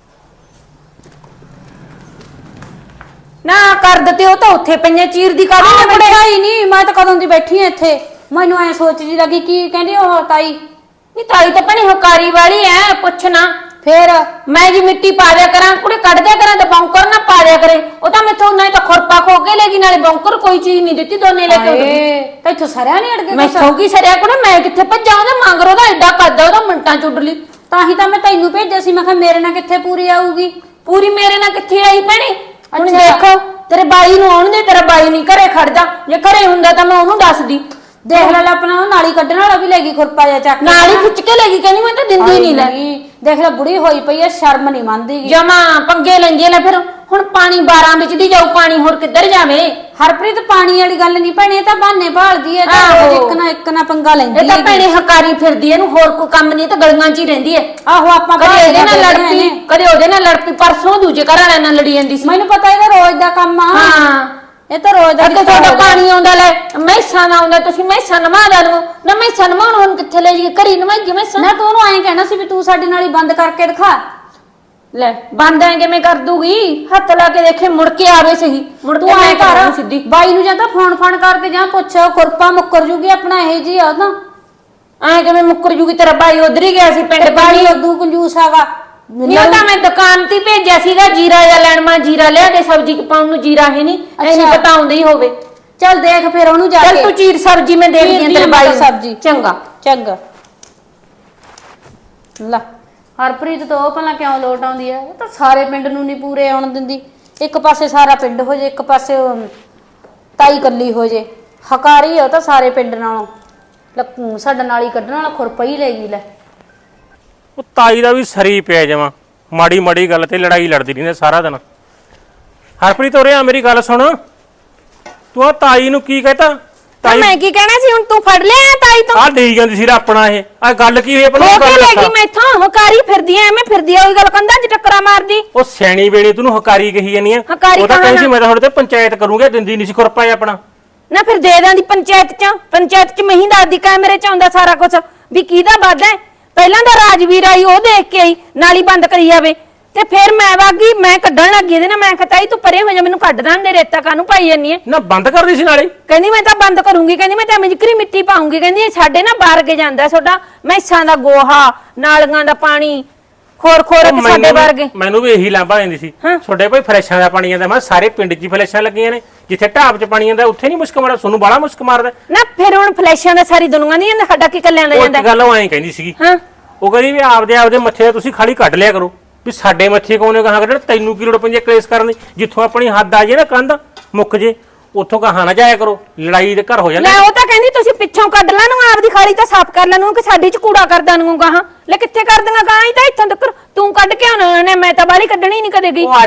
Speaker 2: ਨਾ ਕਰ ਦਿੱਤੇ ਉਹ ਤਾਂ ਉੱਥੇ ਪਈਆਂ ਚੀਰ ਦੀ ਕਾਹਦੇ ਨੇ ਬੜਿਆ ਹੀ ਨਹੀਂ ਮੈਂ ਤਾਂ ਕਦੋਂ ਦੀ ਬੈਠੀ ਆ ਇੱਥੇ ਮੈਨੂੰ ਐ ਸੋਚ ਜੀ ਲੱਗੀ ਕੀ ਕਹਿੰਦੀ ਉਹ ਤਾਈ ਨਹੀਂ ਤਾਈ ਤਾਂ ਭਣੀ ਹਕਾਰੀ ਵਾਲੀ ਐ ਪੁੱਛਣਾ ਫੇਰ ਮੈਂ ਜੀ ਮਿੱਟੀ ਪਾ ਦਿਆ ਕਰਾਂ ਕੁੜੇ ਕੱਢ ਦਿਆ ਕਰਾਂ ਤੇ ਬੌਂਕਰ ਨਾ ਪਾ ਦਿਆ ਕਰੇ ਉਹ ਤਾਂ ਮੈਥੋਂ ਨਹੀਂ ਤਾਂ ਖੁਰਪਾ ਖੋ ਕੇ ਲੈ ਗਈ ਨਾਲੇ ਬੌਂਕਰ ਕੋਈ ਚੀਜ਼ ਨਹੀਂ ਦਿੱਤੀ ਦੋਨੇ ਲੈ ਕੇ ਉੱਡ ਗਈ ਤਾਂ ਇੱਥੋਂ ਸਰਿਆ ਨਹੀਂ ਅੜ ਗਏ ਮੈਥੋਂ ਕੀ ਸਰਿਆ ਕੁੜੇ ਮੈਂ ਕਿੱਥੇ ਭੱਜਾਂ ਉਹਦੇ ਮੰਗਰ ਉਹਦਾ ਐਡਾ ਕੱਦ ਉਹਦਾ ਮਿੰਟਾਂ ਚ ਉੱਡ ਲਈ ਤਾਂ ਹੀ ਤਾਂ ਮੈਂ ਤੈਨੂੰ ਭੇਜਿਆ ਸੀ ਮੈਂ ਕਿਹਾ ਮੇਰੇ ਨਾਲ ਕਿੱਥੇ ਪੂਰੀ ਆਊਗੀ ਪੂਰੀ ਮੇਰੇ ਨਾਲ ਕਿੱਥੇ ਆਈ ਭੈਣੇ ਹੁਣ ਦੇਖੋ ਤੇਰੇ ਬਾਈ ਨੂੰ ਆਉਣ ਦੇ ਤੇਰਾ ਬਾਈ ਨਹੀਂ ਘਰੇ ਖੜਦਾ ਜੇ ਘਰੇ ਹੁੰਦਾ ਤਾਂ ਮੈਂ ਉਹਨੂੰ ਦੱਸਦੀ ਦੇਖ ਲੈ ਆਪਣਾ ਉਹ ਨਾਲੀ ਕੱਢਣ ਵਾਲਾ ਵੀ ਲੈ ਗਈ ਖੁਰਪਾ ਜਾਂ ਚੱਕ ਨਾਲੀ ਖਿੱਚ ਕੇ ਲੈ ਗਈ ਕਹਿੰਦੀ ਮੈਂ ਤਾਂ ਦਿੰਦੀ ਨਹੀਂ ਲੈ ਦੇਖ ਲੈ ਬੁੜੀ ਹੋਈ ਪਈ ਐ ਸ਼ਰਮ ਨਹੀਂ ਮੰਨਦੀ ਜਮਾ ਪੰਗੇ ਲੈਂਦੀ ਲੈ ਫਿਰ ਹੁਣ ਪਾਣੀ 12 ਵਿੱਚ ਦੀ ਜਾਊ ਪਾਣੀ ਹੋਰ ਕਿੱਧਰ ਜਾਵੇ ਹਰਪ੍ਰੀਤ ਪਾਣੀ ਵਾਲੀ ਗੱਲ ਨਹੀਂ ਭੈਣੇ ਤਾਂ ਬਹਾਨੇ ਭਾਲਦੀ ਐ ਤਾਂ ਰੋਜ਼ ਇੱਕ ਨਾ ਪੰਗਾ ਲੈਂਦੀ ਐ ਇਹ ਤਾਂ ਭੈਣੇ ਹਕਾਰੀ ਫਿਰਦੀ ਐ ਇਹਨੂੰ ਹੋਰ ਕੋਈ ਕੰਮ ਨਹੀਂ ਤਾਂ ਗਲੀਆਂ 'ਚ ਹੀ ਰਹਿੰਦੀ ਐ ਆਹੋ ਆਪਾਂ ਕਦੇ ਇਹਦੇ ਨਾਲ ਲੜ ਪਈ ਕਦੇ ਉਹਦੇ ਨਾਲ ਲੜ ਪਈ ਪਰਸੋਂ ਦੂਜੇ ਘਰ ਵਾਲਿਆਂ ਨਾਲ ਲੜੀ ਜਾਂਦੀ ਸੀ ਮੈਨੂੰ ਪਤਾ ਇਹਦਾ ਰੋਜ਼ ਦਾ ਕੰਮ ਆ ਹਾਂ ਇਹ ਤਾਂ ਰੋਜ਼ ਦਾ ਤੁਹਾਡਾ ਪਾਣੀ ਆਉਂਦਾ ਲੈ ਮੈਸਾਂ ਦਾ ਆਉਂਦਾ ਤੁਸੀਂ ਮੈਸਾਂ ਨਵਾ ਦਾ ਲਵੋ ਨਾ ਮੈਸਾਂ ਨਵਾਉਣ ਹੁਣ ਕਿੱਥੇ ਲੈ ਜੀ ਘਰੀ ਨਵਾਈਏ ਮੈਸਾਂ ਨਾ ਤੂੰ ਉਹਨੂੰ ਐਂ ਕਹਿਣਾ ਸੀ ਵੀ ਤੂੰ ਸਾਡੇ ਨਾਲ ਹੀ ਬੰਦ ਕਰਕੇ ਦਿਖਾ ਲੈ ਬੰਦ ਐ ਕਿਵੇਂ ਕਰ ਦੂਗੀ ਹੱਥ ਲਾ ਕੇ ਦੇਖੇ ਮੁੜ ਕੇ ਆਵੇ ਸਹੀ ਮੁੜ ਕੇ ਮੈਂ ਘਰ ਸਿੱਧੀ ਬਾਈ ਨੂੰ ਜਾਂ ਤਾਂ ਫੋਨ ਕਰਕੇ ਜਾਂ ਪੁੱਛ ਖੁਰਪਾ ਮੁੱਕਰ ਜੂਗੀ ਆਪਣਾ ਇਹ ਜੀ ਆ ਤਾਂ ਐਂ ਕਿਵੇਂ ਮੁੱਕਰ ਜੂਗੀ ਤੇਰਾ ਬਾਈ ਉਧਰ ਹੀ ਗਿਆ ਸੀ ਪਿੰਡ ਬਾਈ ਉਦੋਂ ਕੰਜੂਸ ਆਗਾ ਨਹੀਂ ਉਹ ਤਾਂ ਮੈਂ ਦੁਕਾਨ ਤੇ ਭੇਜਿਆ ਸੀਗਾ ਜੀਰਾ ਜਾਂ ਲੈਣ ਮੈਂ ਜੀਰਾ ਲਿਆ ਦੇ ਸਬਜ਼ੀ ਚ ਪਾਉਣ ਨੂੰ ਜੀਰਾ ਹੈ ਨਹੀਂ ਐ ਨਹੀਂ ਪਤਾ ਆਉਂਦਾ ਹੀ ਹੋਵੇ ਚੱਲ ਦੇਖ ਫਿਰ ਉਹਨੂੰ ਜਾ ਕੇ ਚੱਲ ਤੂੰ ਚੀਰ ਸਬਜ਼ੀ ਮੈਂ ਦੇਖਦੀ ਆਂ ਤੇਰੇ ਬਾਈ ਸਬਜ਼ੀ ਚੰਗਾ ਲੈ ਹਰਪ੍ਰੀਤ ਤੋਂ ਉਹ ਭਲਾ ਕਿਉਂ ਲੋਟ ਆਉਂਦੀ ਹੈ ਉਹ ਤਾਂ ਸਾਰੇ ਪਿੰਡ ਨੂੰ ਨਹੀਂ ਪੂਰੇ ਆਉਣ ਦਿੰਦੀ ਇੱਕ ਪਾਸੇ ਸਾਰਾ ਪਿੰਡ ਹੋ ਜੇ ਇੱਕ ਪਾਸੇ ਤਾਈ ਕੱਲੀ ਹੋ ਜੇ ਹਕਾਰੀ ਉਹ ਤਾਂ ਸਾਰੇ ਪਿੰਡ ਨਾਲੋਂ ਸਾਡਾ ਨਾਲੀ ਕੱਢਣ ਵਾਲਾ ਖੁਰਪਾ ਹੀ ਲੈ ਗਈ ਲੈ
Speaker 4: ਉਹ ਤਾਈ ਦਾ ਵੀ ਸਰੀ ਪਿਆ ਜਾਵਾਂ ਮਾੜੀ ਮਾੜੀ ਗੱਲ ਤੇ ਲੜਾਈ ਲੜਦੀ ਰਹਿੰਦੇ ਸਾਰਾ ਦਿਨ ਹਰਪ੍ਰੀਤ ਉਰੇ ਆ ਮੇਰੀ ਗੱਲ ਸੁਣ ਤੂੰ ਆ ਤਾਈ ਨੂੰ ਕੀ ਕਹਤਾ
Speaker 3: ਤਾਈ ਮੈਂ ਕੀ ਕਹਿਣਾ ਸੀ ਹੁਣ ਤੂੰ ਫੜ ਲਿਆ ਤਾਈ ਤੋਂ
Speaker 4: ਆ ਦੇਈ ਜਾਂਦੀ ਸੀ ਆਪਣਾ ਇਹ ਆ ਗੱਲ ਕੀ ਹੋਈ
Speaker 3: ਆਪਣੀ ਗੱਲ ਲੈ ਗਈ ਮੈਥੋਂ ਹਕਾਰੀ ਫਿਰਦੀ ਐ ਐਵੇਂ ਫਿਰਦੀ ਐ ਉਹੀ ਗੱਲ ਕੰਧਾਂ 'ਚ ਟੱਕਰਾਂ ਮਾਰਦੀ
Speaker 4: ਉਹ ਸਿਆਣੀ ਵੇਣੀ ਤੈਨੂੰ ਹਕਾਰੀ ਕਹੀ ਜਾਨੀ ਆ ਉਹ ਤਾਂ ਕਹਿੰਦੀ ਸੀ ਮੈਂ ਤਾਂ ਤੁਹਾਡੇ ਤੇ ਪੰਚਾਇਤ ਕਰੂੰਗਾ ਦਿੰਦੀ ਨਹੀਂ ਸੀ ਖੁਰਪਾ ਆਪਣਾ
Speaker 3: ਨਾ ਫਿਰ ਦੇ ਦਾਂਦੀ ਪੰਚਾਇਤ 'ਚ ਮਹੀਂ ਦਾਦੀ ਕੈਮਰੇ 'ਚ ਆਉਂਦਾ ਸਾਰਾ ਕੁਝ ਵੀ ਕਿਹਦਾ ਵਾਦਾ ਹੈ ਪਹਿਲਾਂ ਤਾਂ ਰਾਜਵੀਰ ਆਈ ਉਹ ਦੇਖ ਕੇ ਆਈ ਨਾਲੀ ਬੰਦ ਕਰੀ ਜਾਵੇ ਤੇ ਫਿਰ ਮੈਂ ਵਾਗੀ ਮੈਂ ਕੱਢਣ ਲੱਗੀ ਇਹਦੇ ਨਾਲ ਮੈਂ ਕਹਤਾ ਤੂੰ ਪਰੇ ਹੋ ਜਾ ਮੈਨੂੰ ਕੱਢ ਦਾਂ ਦੇ ਰੇਤਾ ਕਾਹਨੂੰ ਪਾਈ ਜਾਨੀ ਐ
Speaker 4: ਨਾ ਬੰਦ ਕਰਦੀ ਸੀ ਨਾਲੇ
Speaker 3: ਕਹਿੰਦੀ ਮੈਂ ਤਾਂ ਬੰਦ ਕਰੂੰਗੀ ਕਹਿੰਦੀ ਮੈਂ ਤਾਂ ਮਿਜਕਰੀ ਮਿੱਟੀ ਪਾਉਂਗੀ ਕਹਿੰਦੀ ਸਾਡੇ ਨਾ ਬਾਹਰ ਕੇ ਜਾਂਦਾ ਤੁਹਾਡਾ ਮੈਸਾਂ ਦਾ ਗੋਹਾ ਨਾਲੀਆਂ ਦਾ ਪਾਣੀ ਖੋਰ ਸਾਡੇ ਵਰਗੇ
Speaker 4: ਮੈਨੂੰ ਵੀ ਇਹੀ ਲਾਂਭਾ ਦਿੰਦੀ ਸੀ ਛੋਡੇ ਭਾਈ ਫਲੈਸ਼ਾਂ ਦਾ ਪਾਣੀ ਆਂਦਾ ਮੈਂ ਸਾਰੇ ਪਿੰਡ 'ਚ ਫਲੈਸ਼ਾਂ ਲੱਗੀਆਂ ਨੇ ਜਿੱਥੇ ਢਾਬ 'ਚ ਪਾਣੀ ਆਂਦਾ ਉੱਥੇ ਨਹੀਂ ਮੁਸ਼ਕ ਮਾਰਦਾ ਤੁਹਾਨੂੰ ਬਾਲਾ ਮੁਸ਼ਕ ਮਾਰਦਾ
Speaker 3: ਨਾ ਫਿਰ ਹੁਣ ਫਲੈਸ਼ਾਂ ਦਾ ਸਾਰੀ ਦੁਨੀਆ ਨਹੀਂ ਜਾਂਦਾ ਸਾਡਾ ਕੀ ਕੱਲਿਆਂ ਦਾ ਜਾਂਦਾ
Speaker 4: ਉਹ ਗੱਲ ਉਹ ਐਂ ਕਹਿੰਦੀ ਸੀਗੀ ਉਹ ਕਹਿੰਦੀ ਵੀ ਆਪਦੇ ਮੱਥੇ ਤੁਸੀਂ ਖਾਲੀ ਕੱਢ ਲਿਆ ਕਰੋ ਵੀ ਸਾਡੇ ਮੱਥੇ ਕੋਨੇ ਕਹਾਂ ਕੱਢਣ ਤੈਨੂੰ ਕੀ ਲੋੜ ਪੈਂਦੀ ਕਲੇਸ਼ ਕਰਨ ਦੀ ਜਿੱਥੋਂ ਆਪਣੀ ਹੱਦ ਆ ਜੇ ਨਾ ਕੰਧ ਮੁੱਕ ਜੇ ਉੱਥੋਂ ਕਹਾਂ ਨਾ ਜਾਇਆ ਕਰੋ ਲੜਾਈ ਦੇ ਘਰ ਹੋ ਜਾਂਦਾ
Speaker 3: ਲੈ ਉਹ ਤਾਂ ਕਹਿੰਦੀ ਤੁਸੀਂ ਪਿੱਛੋਂ ਕੱਢ ਲੈਣ ਨੂੰ ਆਪਦੀ ਖਾਲੀ ਤਾਂ ਸਾਫ਼ ਕਰ ਲੈਣ ਨੂੰ ਕਿ ਸਾਡੀ 'ਚ ਕੂੜਾ ਕਰਦਾਂ ਨੂੰ ਗਾਹਾਂ ਲੈ ਕਿੱਥੇ ਕਰ ਦਾਂਗਾ ਗਾਹਾਂ ਹੀ ਤਾਂ ਇੱਥੋਂ ਤੱਕ ਤੂੰ ਕੱਢ ਕੇ ਆਉਣਾ ਨੇ ਮੈਂ ਤਾਂ ਬਾਹਲੀ ਕੱਢਣੀ ਨਹੀਂ ਕਦੇ ਗਈ
Speaker 4: ਉਹ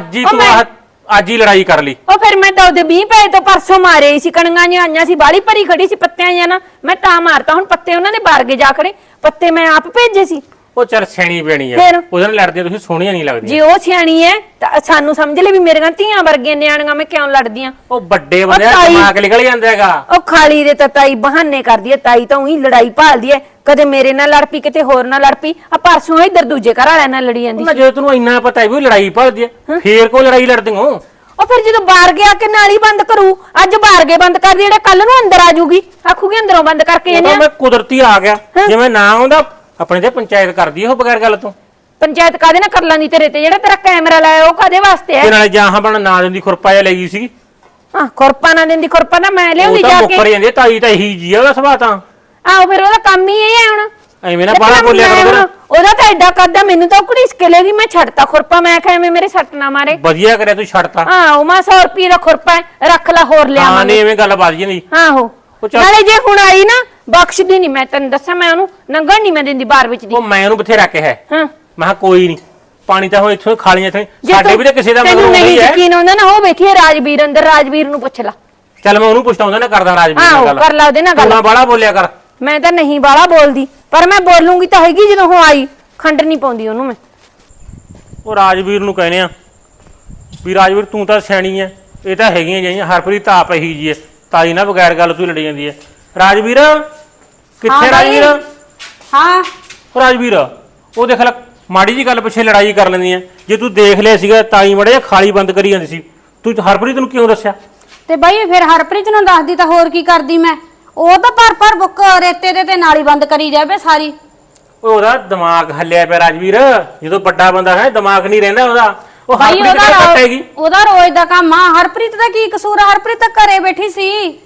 Speaker 4: ਅੱਜ ਹੀ ਲੜਾਈ ਕਰ ਲਈ
Speaker 3: ਉਹ ਫਿਰ ਮੈਂ ਤਾਂ ਉਹਦੇ 20 ਪੈਸੇ ਤੋਂ ਪਰਸੋਂ ਮਾਰੇ ਸੀ ਕਣੀਆਂ ਜਿਹੀਆਂ ਆਈਆਂ ਸੀ ਬਾਹਲੀ ਭਰੀ ਖੜੀ ਸੀ ਪੱਤਿਆਂ ਜਾਂ ਨਾ ਮੈਂ ਤਾਂ ਮਾਰਤਾ ਹੁਣ ਪੱਤੇ ਉਹਨਾਂ ਦੇ ਬਾਰਗੇ ਜਾ ਖੜੇ ਪੱਤੇ ਮੈਂ ਆਪ ਭੇਜੇ ਸੀ
Speaker 4: ਉਹ ਚਰ ਸਿਆਣੀ ਬਣੀ ਆ ਉਹਦੇ ਨਾਲ ਲੜਦੇ ਤੁਸੀਂ ਸੋਹਣੀਆਂ ਨਹੀਂ ਲੱਗਦੀਆਂ
Speaker 3: ਜੇ ਉਹ ਸਿਆਣੀ ਐ ਤਾਂ ਸਾਨੂੰ ਸਮਝ ਲੈ ਵੀ ਮੇਰੀਆਂ ਧੀਆਂ ਵਰਗੀਆਂ ਨਿਆਣੀਆਂ ਮੈਂ ਕਿਉਂ ਲੜਦੀਆਂ
Speaker 4: ਉਹ ਵੱਡੇ ਬੰਦੇ ਦਾ ਦਿਮਾਗ ਨਿਕਲ ਜਾਂਦਾ ਹੈਗਾ
Speaker 3: ਉਹ ਖਾਲੀ ਦੇ ਤਾਂ ਤਾਈ ਬਹਾਨੇ ਕਰਦੀ ਐ ਤਾਈ ਤਾਂ ਉਹੀ ਲੜਾਈ ਭਾਲਦੀ ਐ ਕਦੇ ਮੇਰੇ ਨਾਲ ਲੜ ਪਈ ਕਿਤੇ ਹੋਰ ਨਾਲ ਲੜ ਪਈ ਆ ਪਰਸੋਂ ਇੱਧਰ ਦੂਜੇ ਘਰ ਵਾਲਿਆਂ ਨਾਲ ਲੜੀ ਜਾਂਦੀ
Speaker 4: ਨਾ ਜੇ ਤੈਨੂੰ ਇੰਨਾ ਪਤਾ ਹੈ ਵੀ ਉਹ ਲੜਾਈ ਭਾਲਦੀ ਐ ਫੇਰ ਕੋ ਲੜਾਈ ਲੜਦੇ ਹੋ
Speaker 3: ਉਹ ਫਿਰ ਜਦੋਂ ਬਾਹਰ ਗਿਆ ਕੇ ਨਾਲੀ ਬੰਦ ਕਰੂ ਅੱਜ ਬਾਹਰ ਕੇ ਬੰਦ ਕਰਦੀ ਜਿਹੜਾ ਕੱਲ ਨੂੰ ਅੰਦਰ ਆ ਜੂਗੀ ਆਖੂਗੀ ਅੰਦਰੋਂ ਬੰਦ ਕਰਕੇ ਇਹਨੇ
Speaker 4: ਮੈਂ ਕੁਦਰਤੀ ਆ ਗਿਆ ਜਿਵੇਂ ਨਾ ਆਉਂਦਾ ਆਪਣੇ ਤੇ ਪੰਚਾਇਤ ਕਰਦੀ ਉਹ ਬਗੈਰ ਗੱਲ ਤੋਂ
Speaker 3: ਪੰਚਾਇਤ ਕਾਦੇ ਨਾਲ ਕਰ ਲਾਂਦੀ ਤੇਰੇ ਤੇ ਜਿਹੜਾ ਤੇਰਾ ਕੈਮਰਾ ਲਾਇਆ ਉਹ ਕਾਦੇ ਵਾਸਤੇ ਹੈ
Speaker 4: ਤੇ ਨਾਲੇ ਜਾਂ ਬਣ ਨਾ ਦਿੰਦੀ ਖੁਰਪਾ ਜਿਹਾ ਲੈ ਗਈ ਸੀਗੀ
Speaker 3: ਹਾਂ ਖੁਰਪਾ ਨਾ ਦਿੰਦੀ, ਖੁਰਪਾ ਤਾਂ ਮੈਂ
Speaker 4: ਉਹ
Speaker 3: ਲਿਆਉਂਦੀ
Speaker 4: ਤਾਂ
Speaker 3: ਜਾ
Speaker 4: ਮੁੱਕਰ
Speaker 3: ਕੇ।
Speaker 4: ਜਾਂਦੀ ਆ, ਤਾਈ ਤਾਂ ਇਹੀ ਜੀ ਆ ਉਹਦਾ ਸੁਭਾਅ ਤਾਂ।
Speaker 3: ਆਹੋ ਫਿਰ ਉਹਦਾ ਕੰਮ ਹੀ ਇਹ ਹੈ ਹੁਣ।
Speaker 4: ਐਵੇਂ ਨਾ ਬਾਹਲਾ ਬੋਲਿਆ
Speaker 3: ਮੈਂ
Speaker 4: ਕਰੋ
Speaker 3: ਹੁਣ-
Speaker 4: ਫਿਰ।
Speaker 3: ਉਹਦਾ ਤਾਂ ਐਡਾ ਕਰਦਾ, ਮੈਨੂੰ ਤਾਂ ਕੁੜੀ ਸਕੇਲੇਗੀ। ਮੈਂ ਛੱਡਤਾ ਖੁਰਪਾ, ਮੈਂ ਕਿਹਾ ਐਵੇਂ ਮੇਰੇ ਸੱਟ ਨਾ ਮਾਰੇ।
Speaker 4: ਵਧੀਆ ਕਰਿਆ ਤੂੰ ਛੱਡਤਾ।
Speaker 3: ਹਾਂ ਉਹ ਮੈਂ 100 ਰੁਪਏ ਦਾ ਖੁਰਪਾ ਹੈ, ਰੱਖ ਲੈ ਹੋਰ
Speaker 4: ਹਾਂ
Speaker 3: ਲਿਆਵਾਂਗੇ।
Speaker 4: ਨਹੀਂ ਐਵੇਂ ਗੱਲ ਵੱਧ ਜਾਂਦੀ।
Speaker 3: ਆਹੋ
Speaker 4: ਉਹ ਚੱਲ-
Speaker 3: ਨਾਲੇ ਜੇ ਹੁਣ ਆਈ ਨਾ ਬਖਸ਼ਦੀ ਨਹੀਂ, ਮੈਂ ਤੈਨੂੰ ਦੱਸਾਂ, ਮੈਂ ਉਹਨੂੰ ਨੰਗਣ ਨਹੀਂ ਮੈਂ ਦਿੰਦੀ ਬਾਹਰ ਵਿੱਚ ਦੀ।
Speaker 4: ਉਹ ਮੈਂ ਉਹਨੂੰ ਬਥੇਰਾ ਕਿਹਾ ਹੈ।
Speaker 3: ਹਾਂ
Speaker 4: ਮੈਂ ਕਿਹਾ ਕੋਈ ਨਹੀਂ, ਪਾਣੀ ਤਾਂ ਹੁਣ ਇੱਥੋਂ ਖਾਲੀਆਂ ਇੱਥੇ
Speaker 3: ਜੇ
Speaker 4: ਸਾਡੇ
Speaker 3: ਤੂੰ-
Speaker 4: ਵੀ ਤਾਂ ਕਿਸੇ ਦਾ
Speaker 3: ਤੈਨੂੰ
Speaker 4: ਮਤਲਬ
Speaker 3: ਨਹੀਂ
Speaker 4: ਨਹੀਂ ਹੈ।
Speaker 3: ਯਕੀਨ ਆਉਂਦਾ ਨਾ, ਉਹ ਬੈਠੀ ਹੈ ਰਾਜਵੀਰ ਅੰਦਰ, ਰਾਜਵੀਰ ਨੂੰ ਪੁੱਛ ਲੈ।
Speaker 4: ਚੱਲ ਮੈਂ ਉਹਨੂੰ ਪੁੱਛਦਾ, ਉਹਦਾ ਨਾ ਕਰਦਾ ਰਾਜਵੀਰ
Speaker 3: ਆਹੋ
Speaker 4: ਨਾਲ ਗੱਲ।
Speaker 3: ਕਰ ਲਾ ਉਹਦੇ ਨਾਲ
Speaker 4: ਤੂੰ
Speaker 3: ਗੱਲ।
Speaker 4: ਨਾ ਬਾਹਲਾ ਬੋਲਿਆ ਕਰ।
Speaker 3: ਮੈਂ ਤਾਂ ਨਹੀਂ ਬਾਲਾ ਬੋਲਦੀ, ਪਰ ਮੈਂ ਬੋਲੂੰਗੀ ਤਾਂ ਹੈਗੀ ਜਦੋਂ ਉਹ ਆਈ। ਖੰਡ ਨਹੀਂ ਪਾਉਂਦੀ ਉਹਨੂੰ ਮੈਂ।
Speaker 4: ਉਹ ਰਾਜਵੀਰ ਨੂੰ ਕਹਿੰਦੇ ਆ ਵੀ ਰਾਜਵੀਰ ਤੂੰ ਤਾਂ ਸਿਆਣੀ ਐ, ਇਹ ਤਾਂ ਹੈਗੀਆਂ ਜਾਈਆਂ। ਹਰਪ੍ਰੀਤ ਤਾਂ ਆਪ ਇਹੀ ਜੀ ਐ, ਤਾਈ ਨਾਲ ਬਗੈਰ ਗੱਲ ਤੋਂ ਹੀ ਲੜੀ ਜਾਂਦੀ ਐ। ਰਾਜਵੀਰ ਕਿੱਥੇ
Speaker 2: ਹਾਂ ਬਾਈ।
Speaker 4: ਰਾਜਵੀਰ?
Speaker 2: ਹਾਂ
Speaker 4: ਉਹ ਰਾਜਵੀਰ ਉਹ ਦੇਖ ਲੈ ਮਾੜੀ ਜੀ ਗੱਲ ਪਿੱਛੇ ਲੜਾਈ ਕਰ ਲੈਂਦੀ ਐ। ਜੇ ਤੂੰ ਦੇਖ ਲਿਆ ਸੀਗਾ ਤਾਈ ਮੜਾ ਜਿਹਾ ਖਾਲੀ ਬੰਦ ਕਰੀ ਜਾਂਦੀ ਸੀ, ਤੂੰ ਹਰਪ੍ਰੀਤ ਨੂੰ ਕਿਉਂ ਦੱਸਿਆ?
Speaker 2: ਤੇ ਬਾਈ ਫਿਰ ਹਰਪ੍ਰੀਤ ਨੂੰ ਦੱਸਦੀ ਤਾਂ ਹੋਰ ਕੀ ਕਰਦੀ ਮੈਂ। ਉਹ ਤਾਂ ਭਰ ਬੁੱਕ ਰੇਤੇ ਦੇ ਤੇ ਨਾਲੀ ਬੰਦ ਕਰੀ ਜਾਵੇ ਸਾਰੀ।
Speaker 4: ਉਹ ਉਹਦਾ ਦਿਮਾਗ ਹੱਲਿਆ ਪਿਆ ਰਾਜਵੀਰ, ਜਦੋਂ ਵੱਡਾ ਬੰਦਾ ਹੈ ਦਿਮਾਗ ਨਹੀਂ ਰਹਿੰਦਾ ਉਹਦਾ। ਉਹ
Speaker 2: ਬਾਈ
Speaker 4: ਹਰਪ੍ਰੀਤ ਕਿਹੜਾ ਕੱਟੇਗੀ?
Speaker 2: ਉਹਦਾ ਰੋਜ਼ ਦਾ ਕੰਮ ਆ। ਹਰਪ੍ਰੀਤ ਦਾ ਕੀ ਕਸੂਰ ਆ? ਹਰਪ੍ਰੀਤ ਤਾਂ ਘਰੇ ਬੈਠੀ ਸੀ,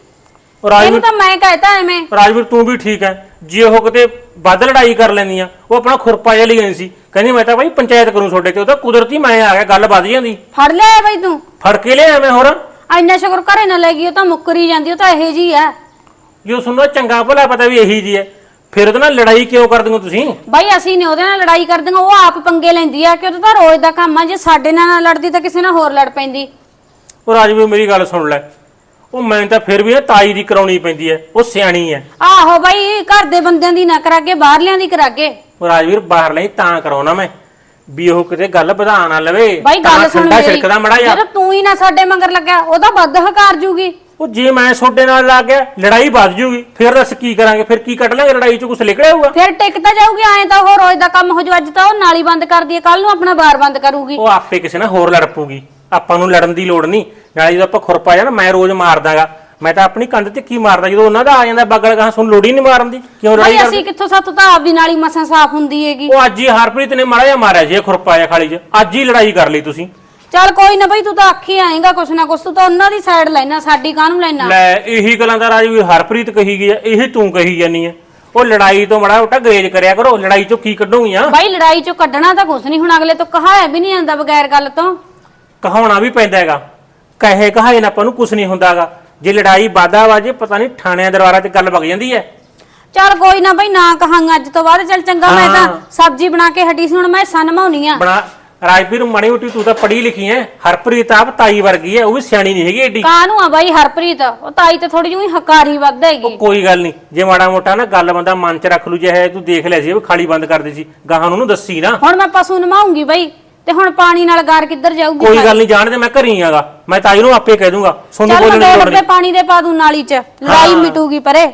Speaker 4: ਉਹ
Speaker 2: ਇਹਨੂੰ
Speaker 4: ਰਾਜਵੀਰ
Speaker 2: ਤਾਂ ਮੈਂ ਕਹਿਤਾ ਐਵੇਂ।
Speaker 4: ਰਾਜਵੀਰ ਤੂੰ ਵੀ ਠੀਕ ਹੈ, ਜੇ ਉਹ ਕਿਤੇ ਵੱਧ ਲੜਾਈ ਕਰ ਲੈਂਦੀਆਂ, ਉਹ ਆਪਣਾ ਖੁਰਪਾ ਜਿਹਾ ਲਈ ਜਾਂਦੀ ਸੀ, ਕਹਿੰਦੀ ਮੈਂ ਤਾਂ ਬਾਈ ਪੰਚਾਇਤ ਕਰੂੰ ਤੁਹਾਡੇ ਤੇ। ਉਹ ਤਾਂ ਕੁਦਰਤੀ ਮੈਂ ਆ ਗਿਆ, ਗੱਲ ਵੱਧ ਜਾਂਦੀ।
Speaker 2: ਫੜ ਲਿਆ ਬਾਈ ਤੂੰ?
Speaker 4: ਫੜ ਕੇ ਲਿਆ ਮੈਂ ਹੋਰ।
Speaker 2: ਇੰਨਾ ਸ਼ੁਕਰ ਘਰੇ ਨਾ ਲੈ ਗਈ, ਉਹ ਤਾਂ ਮੁੱਕਰੀ ਜਾਂਦੀ। ਉਹ ਤਾਂ ਇਹੋ ਜੀ ਆ
Speaker 4: ਜੋ ਸੁਣੋ ਚੰਗਾ ਭਲਾ ਪਤਾ ਵੀ ਇਹੀ ਜੀ ਹੈ, ਫਿਰ ਉਹਦੇ ਨਾਲ ਲੜਾਈ ਕਿਉਂ ਕਰਦੇ ਹੋ ਤੁਸੀਂ?
Speaker 2: ਬਾਈ। ਅਸੀਂ ਨੇ ਉਹਦੇ ਨਾਲ ਲੜਾਈ ਕਰਦੀਆਂ, ਉਹ ਆਪ ਪੰਗੇ ਲੈਂਦੀ ਆ ਕਿ ਉਹਦਾ ਤਾਂ ਰੋਜ਼ ਦਾ ਕੰਮ ਆ। ਜੇ ਸਾਡੇ ਨਾਲ ਨਾ ਲੜਦੀ ਤਾਂ ਕਿਸੇ ਨਾਲ ਹੋਰ ਲੜ ਪੈਂਦੀ।
Speaker 4: ਉਹ ਰਾਜਵੀਰ ਮੇਰੀ ਗੱਲ ਸੁਣ ਲੈ, ਉਹ ਮੈਂ ਤਾਂ ਫਿਰ ਵੀ ਨਾ ਤਾਈ ਦੀ ਕਰਾਉਣੀ ਪੈਂਦੀ ਹੈ, ਉਹ ਸਿਆਣੀ ਹੈ।
Speaker 2: ਆਹੋ ਬਾਈ, ਘਰ ਦੇ ਬੰਦਿਆਂ ਦੀ ਨਾ ਕਰਾਗੇ, ਬਾਹਰਲਿਆਂ ਦੀ ਕਰਾਗੇ।
Speaker 4: ਉਹ ਰਾਜਵੀਰ ਬਾਹਰ ਲਈ ਤਾਂ ਕਰਾਉਣਾ ਮੈਂ ਵੀ ਉਹ ਕਿਤੇ ਗੱਲ ਵਧਾ ਨਾ ਲਵੇ।
Speaker 2: ਬਾਈ ਗੱਲ ਸੁਣ ਮੇਰੀ,
Speaker 4: ਛਿੜਕਦਾ ਮੜਾ ਜਾ।
Speaker 2: ਜਦੋਂ ਤੂੰ ਹੀ ਨਾ ਸਾਡੇ ਮਗਰ ਲੱਗਿਆ, ਉਹਦਾ ਵੱਧ ਹਕਾਰ ਜੂਗੀ।
Speaker 4: ਉਹ ਜੇ ਮੈਂ ਤੁਹਾਡੇ ਨਾਲ ਲੱਗ ਗਿਆ ਲੜਾਈ ਵੱਧ ਜੂਗੀ, ਫਿਰ ਦੱਸ ਕੀ ਕਰਾਂਗੇ? ਫਿਰ ਕੀ ਕੱਢ ਲਾਂਗੇ? ਲੜਾਈ ਚੋਂ ਕੁਝ ਨਿਕਲਿਆ ਹੋਊਗਾ?
Speaker 2: ਫਿਰ ਟਿਕ ਤਾਂ ਜਾਊਗੀ। ਐਂ ਤਾਂ ਉਹ ਰੋਜ਼ ਦਾ ਕੰਮ ਹੋ ਜੂ। ਅੱਜ ਤਾਂ ਉਹ ਨਾਲੀ ਬੰਦ ਕਰਦੀ ਹੈ, ਕੱਲ ਨੂੰ ਆਪਣਾ ਬਾਰ ਬੰਦ ਕਰੂਗੀ।
Speaker 4: ਉਹ ਆਪੇ ਕਿਸੇ ਨਾਲ ਹੋਰ ਲੜ ਪਊਗੀ, ਆਪਾਂ ਨੂੰ ਲੜਨ ਦੀ ਲੋੜ ਨਹੀਂ। ਨਾਲੇ ਜਦੋਂ ਆਪਾਂ ਖੁਰਪਾ ਜਾਣਾ ਮੈਂ ਰੋਜ਼ ਮਾਰਦਾਗਾ, ਮੈਂ ਤਾਂ ਆਪਣੀ ਕੰਧ ਤੇ ਕੀ ਮਾਰਦਾ, ਜਦੋਂ ਉਹਨਾਂ ਦਾ ਆ ਜਾਂਦਾ ਬਗਲ ਗਾਂ ਸਾਨੂੰ ਲੋੜ ਹੀ ਨਹੀਂ ਮਾਰਨ ਦੀ। ਕਿਉਂ ਲੜਾਈ
Speaker 2: ਬਾਈ
Speaker 4: ਕਰਦੇ?
Speaker 2: ਅਸੀਂ ਕਿੱਥੋਂ, ਸਾਥੋਂ ਤਾਂ ਆਪਦੀ ਨਾਲੀ ਮਸਾਂ ਸਾਫ਼ ਹੁੰਦੀ ਹੈਗੀ।
Speaker 4: ਉਹ ਅੱਜ ਹੀ ਹਰਪ੍ਰੀਤ ਨੇ ਮਾੜਾ ਜਿਹਾ ਮਾਰਿਆ ਜੀ ਖੁਰਪਾ ਜਿਹਾ ਖਾਲੀ 'ਚ, ਅੱਜ ਹੀ ਲੜਾਈ ਕਰ ਲਈ ਤੁਸੀਂ।
Speaker 2: ਚੱਲ ਕੋਈ ਨਾ ਬਾਈ, ਤੂੰ ਤਾਂ ਆਖੀ ਆਏਗਾ ਕੁਛ ਨਾ ਕੁਛ। ਤੂੰ ਤਾਂ ਉਹਨਾਂ ਦੀ ਸਾਈਡ ਲੈਣਾ, ਸਾਡੀ ਕਾਹਨੂੰ ਲੈਣਾ?
Speaker 4: ਲੈ ਇਹੀ ਗੱਲਾਂ ਦਾ ਰਾਜਵੀਰ ਹਰਪ੍ਰੀਤ ਕਹੀ ਗਈ ਆ, ਇਹੀ ਤੂੰ ਕਹੀ ਜਾਨੀ ਆ। ਉਹ ਲੜਾਈ ਤੋਂ ਮਾੜਾ ਮੋਟਾ ਗਰੇਜ ਕਰਿਆ ਕਰੋ, ਲੜਾਈ ਚੋਂ ਕੀ ਕੱਢੂਗੀਆਂ?
Speaker 2: ਬਾਈ ਲੜਾਈ ਚੋਂ ਕੱਢਣਾ ਤਾਂ ਕੁਛ ਨਹੀਂ, ਹੁਣ ਅਗਲੇ ਤੋਂ ਕਹਾਇਆ ਵੀ ਨਹੀਂ ਜਾਂਦਾ ਬਗੈਰ ਗੱਲ ਤੋਂ।
Speaker 4: ਕਹਾਉਣਾ ਵੀ ਪੈਂਦਾ ਹੈਗਾ, ਕਹੇ ਕਹਾਏ ਨਾ ਆਪਾਂ ਨੂੰ ਕੁਝ ਨਹੀਂ ਹੁੰਦਾਗਾ। ਜੇ ਲੜਾਈ ਵਾਦਾ ਵਾਜੇ ਪਤਾ ਨਹੀਂ ਥਾਣਿਆਂ ਦਰਬਾਰਾਂ ਤੇ ਗੱਲ ਵਗ ਜਾਂਦੀ ਹੈ।
Speaker 2: ਚੱਲ ਕੋਈ ਨਾ ਬਾਈ, ਨਾ ਕਹਾਂਗਾ ਅੱਜ ਤੋਂ ਬਾਅਦ। ਚੱਲ ਚੰਗਾ, ਮੈਂ ਤਾਂ ਸਬਜ਼ੀ ਬਣਾ ਕੇ ਹਟੀ ਸੀ, ਹੁਣ ਮੈਂ ਸਨਮਾਉਣੀ ਆ।
Speaker 4: ਬਣਾ ਰਾਜਵੀਰ ਮਾੜੀ ਮੋਟੀ ਤੂੰ ਤਾਂ ਪੜ੍ਹੀ ਲਿਖੀ ਐ, ਹਰਪ੍ਰੀਤ ਆਪ ਤਾਈ ਵਰਗੀ ਐ, ਉਹ ਵੀ ਸਿਆਣੀ ਨਹੀਂ ਹੈਗੀ ਏਡੀ।
Speaker 2: ਕਾਹਨੂੰ ਆ ਬਾਈ ਹਰਪ੍ਰੀਤ, ਉਹ ਤਾਈ ਤੇ ਥੋੜੀ ਜਿਹੀ ਹਕਾਰੀ ਵੱਧ ਹੈਗੀ।
Speaker 4: ਕੋਈ ਗੱਲ ਨਹੀਂ, ਜੇ ਮਾੜਾ ਮੋਟਾ ਨਾ ਗੱਲ ਬੰਦਾ ਮਨ 'ਚ ਰੱਖ ਲੂ, ਜੇ ਹੈ ਤੂੰ ਦੇਖ ਲਿਆ ਸੀ ਉਹ ਖਾਲੀ ਬੰਦ ਕਰਦੀ ਸੀ, ਗਾਹਾਂ ਨੂੰ ਦੱਸੀ ਨਾ।
Speaker 2: ਹੁਣ ਮੈਂ ਪਸ਼ੂ ਨਮਾਉਂਗੀ ਬਾਈ, ਤੇ ਹੁਣ ਪਾਣੀ ਨਾਲ ਗਾਰ ਕਿੱਧਰ ਜਾਊਗੀ?
Speaker 4: ਕੋਈ ਗੱਲ ਨਹੀਂ, ਜਾਣਦੇ ਮੈਂ ਘਰੀ ਆਗਾ, ਮੈਂ ਤਾਈ ਨੂੰ ਆਪੇ ਕਹਿ ਦੂੰਗਾ, ਸੋਨੂੰ
Speaker 2: ਚੱਲ
Speaker 4: ਬੋਲਣ
Speaker 2: ਮੈਂ
Speaker 4: ਦੀ
Speaker 2: 2
Speaker 4: ਲੋੜ
Speaker 2: ਡੱਬੇ
Speaker 4: ਨਹੀਂ।
Speaker 2: ਪਾਣੀ ਦੇ ਪਾ ਦੂੰ ਨਾਲੀ 'ਚ, ਲੜਾਈ ਮਿਟੂਗੀ ਪਰੇ।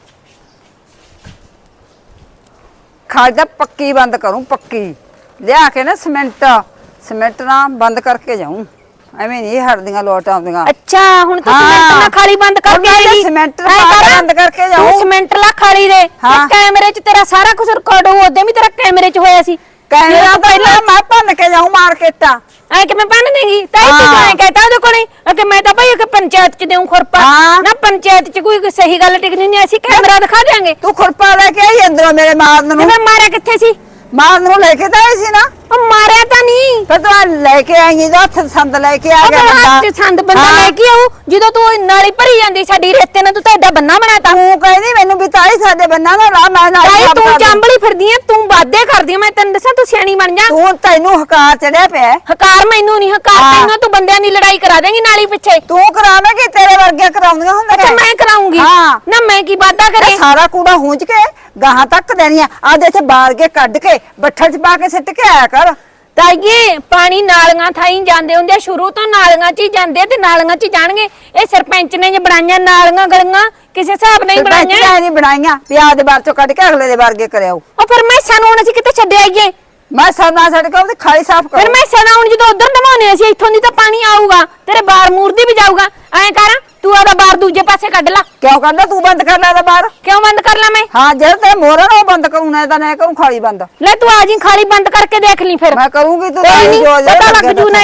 Speaker 1: ਖਾਦ ਦਾ ਪੱਕੀ ਬੰਦ ਕਰੂੰ, ਪੱਕੀ ਲਿਆ ਕੇ ਨਾ ਸਿਮੈਂਟ ਨਾਲ ਬੰਦ ਕਰਕੇ ਜਾਊਂ। ਐਵੇਂ ਨਹੀਂ ਹਰਦੀਆਂ ਲੋਟ ਆਉਂਦੀਆਂ।
Speaker 3: ਅੱਛਾ ਹੁਣ ਤੂੰ ਸਿਮੈਂਟ ਨਾਲ ਖਾਲੀ ਬੰਦ ਕਰਕੇ ਆਏਗੀ?
Speaker 1: ਸਿਮੈਂਟ
Speaker 3: ਐਂ ਕਰ,
Speaker 1: ਬੰਦ ਕਰਕੇ ਜਾਊਂ।
Speaker 3: ਤੂੰ ਸਿਮੈਂਟ ਲਾ ਖਾਲੀ ਦੇ,
Speaker 1: ਹਾਂ।
Speaker 3: ਤੇ ਕੈਮਰੇ 'ਚ ਤੇਰਾ ਸਾਰਾ ਕੁਝ ਰਿਕਾਰਡ ਹੋਊ। ਉਹਦੇ ਵੀ ਤੇਰਾ ਕੈਮਰੇ 'ਚ ਹੋਇਆ ਸੀ।
Speaker 1: ਕੈਮਰਾ ਪਹਿਲਾਂ ਮੈਂ ਭੰਨ ਕੇ ਜਾਊਂ ਮਾਰਕੀਟਾਂ।
Speaker 3: ਐ ਕਿ ਮੈਂ ਬੰਨ ਦੇਂਗੀ ਤਾਈ? ਤੂੰ ਐ ਕਹਤਾ ਉਹਦੇ ਕੋਲੇ ਕਿ ਮੈਂ ਤਾਂ ਭਾਈ ਕਿ ਪੰਚਾਇਤ 'ਚ ਦੇਉਂ ਖੁਰਪਾ।
Speaker 1: ਹਾਂ।
Speaker 3: ਨਾ ਪੰਚਾਇਤ 'ਚ ਕੋਈ ਸਹੀ ਗੱਲ ਟਿਕਣੀ ਨਹੀਂ, ਅਸੀਂ ਕੈਮਰਾ ਦਿਖਾ ਦਿਆਂਗੇ।
Speaker 1: ਤੂੰ ਖੁਰਪਾ ਲੈ ਕੇ ਆਈ ਅੰਦਰੋਂ ਮੇਰੇ ਮਾਰਨ
Speaker 3: ਤੇ
Speaker 1: ਨੂੰ।
Speaker 3: ਮੈਂ ਮਾਰਿਆ ਕਿੱਥੇ ਸੀ?
Speaker 1: ਮਾਰਨ ਨੂੰ ਲੈ ਕੇ ਤਾਂ ਆਈ ਸੀ ਨਾ।
Speaker 3: ਉਹ ਮਾਰਿਆ ਤਾਂ ਨਹੀਂ।
Speaker 1: ਫਿਰ ਤੂੰ ਲੈ ਕੇ ਆਈ ਦਾ ਹੱਥ ਸੰਦ ਲੈ ਕੇ ਆ
Speaker 3: ਉਹ
Speaker 1: ਗਿਆ
Speaker 3: ਹੱਥ 'ਚ
Speaker 1: ਬੰਦਾ।
Speaker 3: ਸੰਦ ਬੰਦਾ
Speaker 1: ਹਾਂ।
Speaker 3: ਲੈ ਕੇ ਆਊ, ਜਦੋਂ ਤੂੰ ਨਾਲੀ ਭਰੀ ਜਾਂਦੀ ਸਾਡੀ ਰੇਤੇ ਨਾਲ, ਤੂੰ ਤਾਂ ਐਡਾ ਬੰਨਾ ਬਣਾਤਾ।
Speaker 1: ਤੂੰ ਕਹਿੰਦੀ ਮੈਨੂੰ ਵੀ ਤਾਈ ਸਾਡੇ ਬੰਨਾ ਨਾ ਲਾ, ਮੈਂ ਨਾਲ
Speaker 3: ਤਾਈ
Speaker 1: ਕੰਮ
Speaker 3: ਤੂੰ
Speaker 1: ਕਰ ਦੂੰ।
Speaker 3: ਚਾਂਬਲੀ ਫਿਰਦੀ ਐ, ਤੂੰ ਵਾਦੇ ਕਰਦੀ ਐ। ਮੈਂ ਤੈਨੂੰ ਦੱਸਾਂ, ਤੂੰ ਸਿਆਣੀ ਬਣ ਜਾ।
Speaker 1: ਤੂੰ ਤੈਨੂੰ ਹਕਾਰ ਚੜਿਆ ਪਿਆ।
Speaker 3: ਹਕਾਰ ਮੈਨੂੰ ਨਹੀਂ, ਹਕਾਰ
Speaker 1: ਹਾਂ।
Speaker 3: ਤੈਨੂੰ। ਤੂੰ ਬੰਦਿਆਂ ਦੀ ਲੜਾਈ ਕਰਾ ਦੇਂਗੀ ਨਾਲੀ ਪਿੱਛੇ।
Speaker 1: ਤੂੰ ਕਰਾਵੇਂਗੀ, ਤੇਰੇ ਵਰਗੇ ਕਰਾਉਂਦੀਆਂ ਹੁੰਦੀਆਂ।
Speaker 3: ਅੱਛਾ ਮੈਂ ਕਰਾਉਂਗੀ?
Speaker 1: ਹਾਂ।
Speaker 3: ਨਾ ਮੈਂ ਕੀ ਵਾਦਾ ਕਰੇ?
Speaker 1: ਇਹ ਸਾਰਾ ਕੂੜਾ ਹੂੰਜ ਕੇ ਗਾਹਾਂ ਤੱਕ ਦੇਣੀਆਂ। ਆਦੇ ਇੱਥੇ ਬਾਲ ਕੇ ਕੱਢ ਕੇ ਬੱਠਲ 'ਚ ਪਾ ਕੇ ਸਿੱਟ ਕੇ ਆਇਆ ਕਰ।
Speaker 3: ਤਾਈਏ ਪਾਣੀ ਨਾਲੀਆਂ ਥਾਈ ਜਾਂਦੇ ਹੁੰਦੇ ਆ, ਸ਼ੁਰੂ ਤੋਂ ਨਾਲੀਆਂ 'ਚ ਹੀ ਜਾਂਦੇ ਤੇ ਨਾਲੀਆਂ 'ਚ ਹੀ ਜਾਣਗੇ। ਇਹ ਸਰਪੰਚ ਨੇ ਜੇ ਬਣਾਈਆਂ ਨਾਲੀਆਂ ਗਲੀਆਂ, ਕਿਸੇ ਹਿਸਾਬ ਨਾਲ ਹੀ ਬਣਾਈਆਂ।
Speaker 1: ਬਣਾਈਆਂ ਨਹੀਂ ਬਣਾਈਆਂ, ਪਿਆਜ਼ ਦੇ ਬਾਰ ਚੋਂ ਕੱਢ ਕੇ ਅਗਲੇ ਦੇ ਵਰਗੇ ਕਰਿਆਓ।
Speaker 3: ਉਹ ਫਿਰ ਮੈਂ ਸਾਨੂੰ ਹੁਣ ਅਸੀਂ ਕਿਤੇ ਛੱਡ ਆਈਏ?
Speaker 1: ਮੈਂ ਸਰਨਾ ਛੱਡ ਕੇ ਉਹਦੀ ਖਾਲੀ ਸਾਫ਼
Speaker 3: ਫਿਰ
Speaker 1: ਕਰ।
Speaker 3: ਮੈਂ ਸਨਾ ਹੁਣ ਜਦੋਂ ਉਧਰ ਨਵਾਉਣੇ ਅਸੀਂ, ਇੱਥੋਂ ਦੀ ਤਾਂ ਪਾਣੀ ਆਊਗਾ, ਤੇਰੇ ਬਾਰ ਮੂਰਦੀ ਵੀ ਜਾਊਗਾ। ਐਂ ਕਰ, ਤੂੰ ਆਦਾ ਬਾਰ ਦੂਜੇ ਪਾਸੇ ਕੱਢ ਲਾ।
Speaker 1: ਕਿਉਂ ਕੱਢਦਾ? ਤੂੰ ਬੰਦ ਕਰ ਲੈ ਇਹਦਾ ਬਾਹਰ।
Speaker 3: ਕਿਉਂ ਬੰਦ ਕਰ ਲਾ ਮੈਂ?
Speaker 1: ਹਾਂ, ਜਿਹੜਾ ਤੇ ਮੋਰਨ ਉਹ ਬੰਦ ਕਰੂੰ, ਨਾ ਤਾਂ ਨਾ ਕਰੂੰ ਖਾਲੀ ਬੰਦ।
Speaker 3: ਲੈ ਤੂੰ ਆ ਜੀ, ਖਾਲੀ ਬੰਦ ਕਰਕੇ ਦੇਖ ਲਈ ਫਿਰ।
Speaker 1: ਮੈਂ ਕਰੂੰਗੀ, ਤੂੰ
Speaker 3: ਕੋਈ ਨਹੀਂ,
Speaker 1: ਜੋ
Speaker 3: ਪਤਾ ਲੱਗ ਜੂ ਨਾ।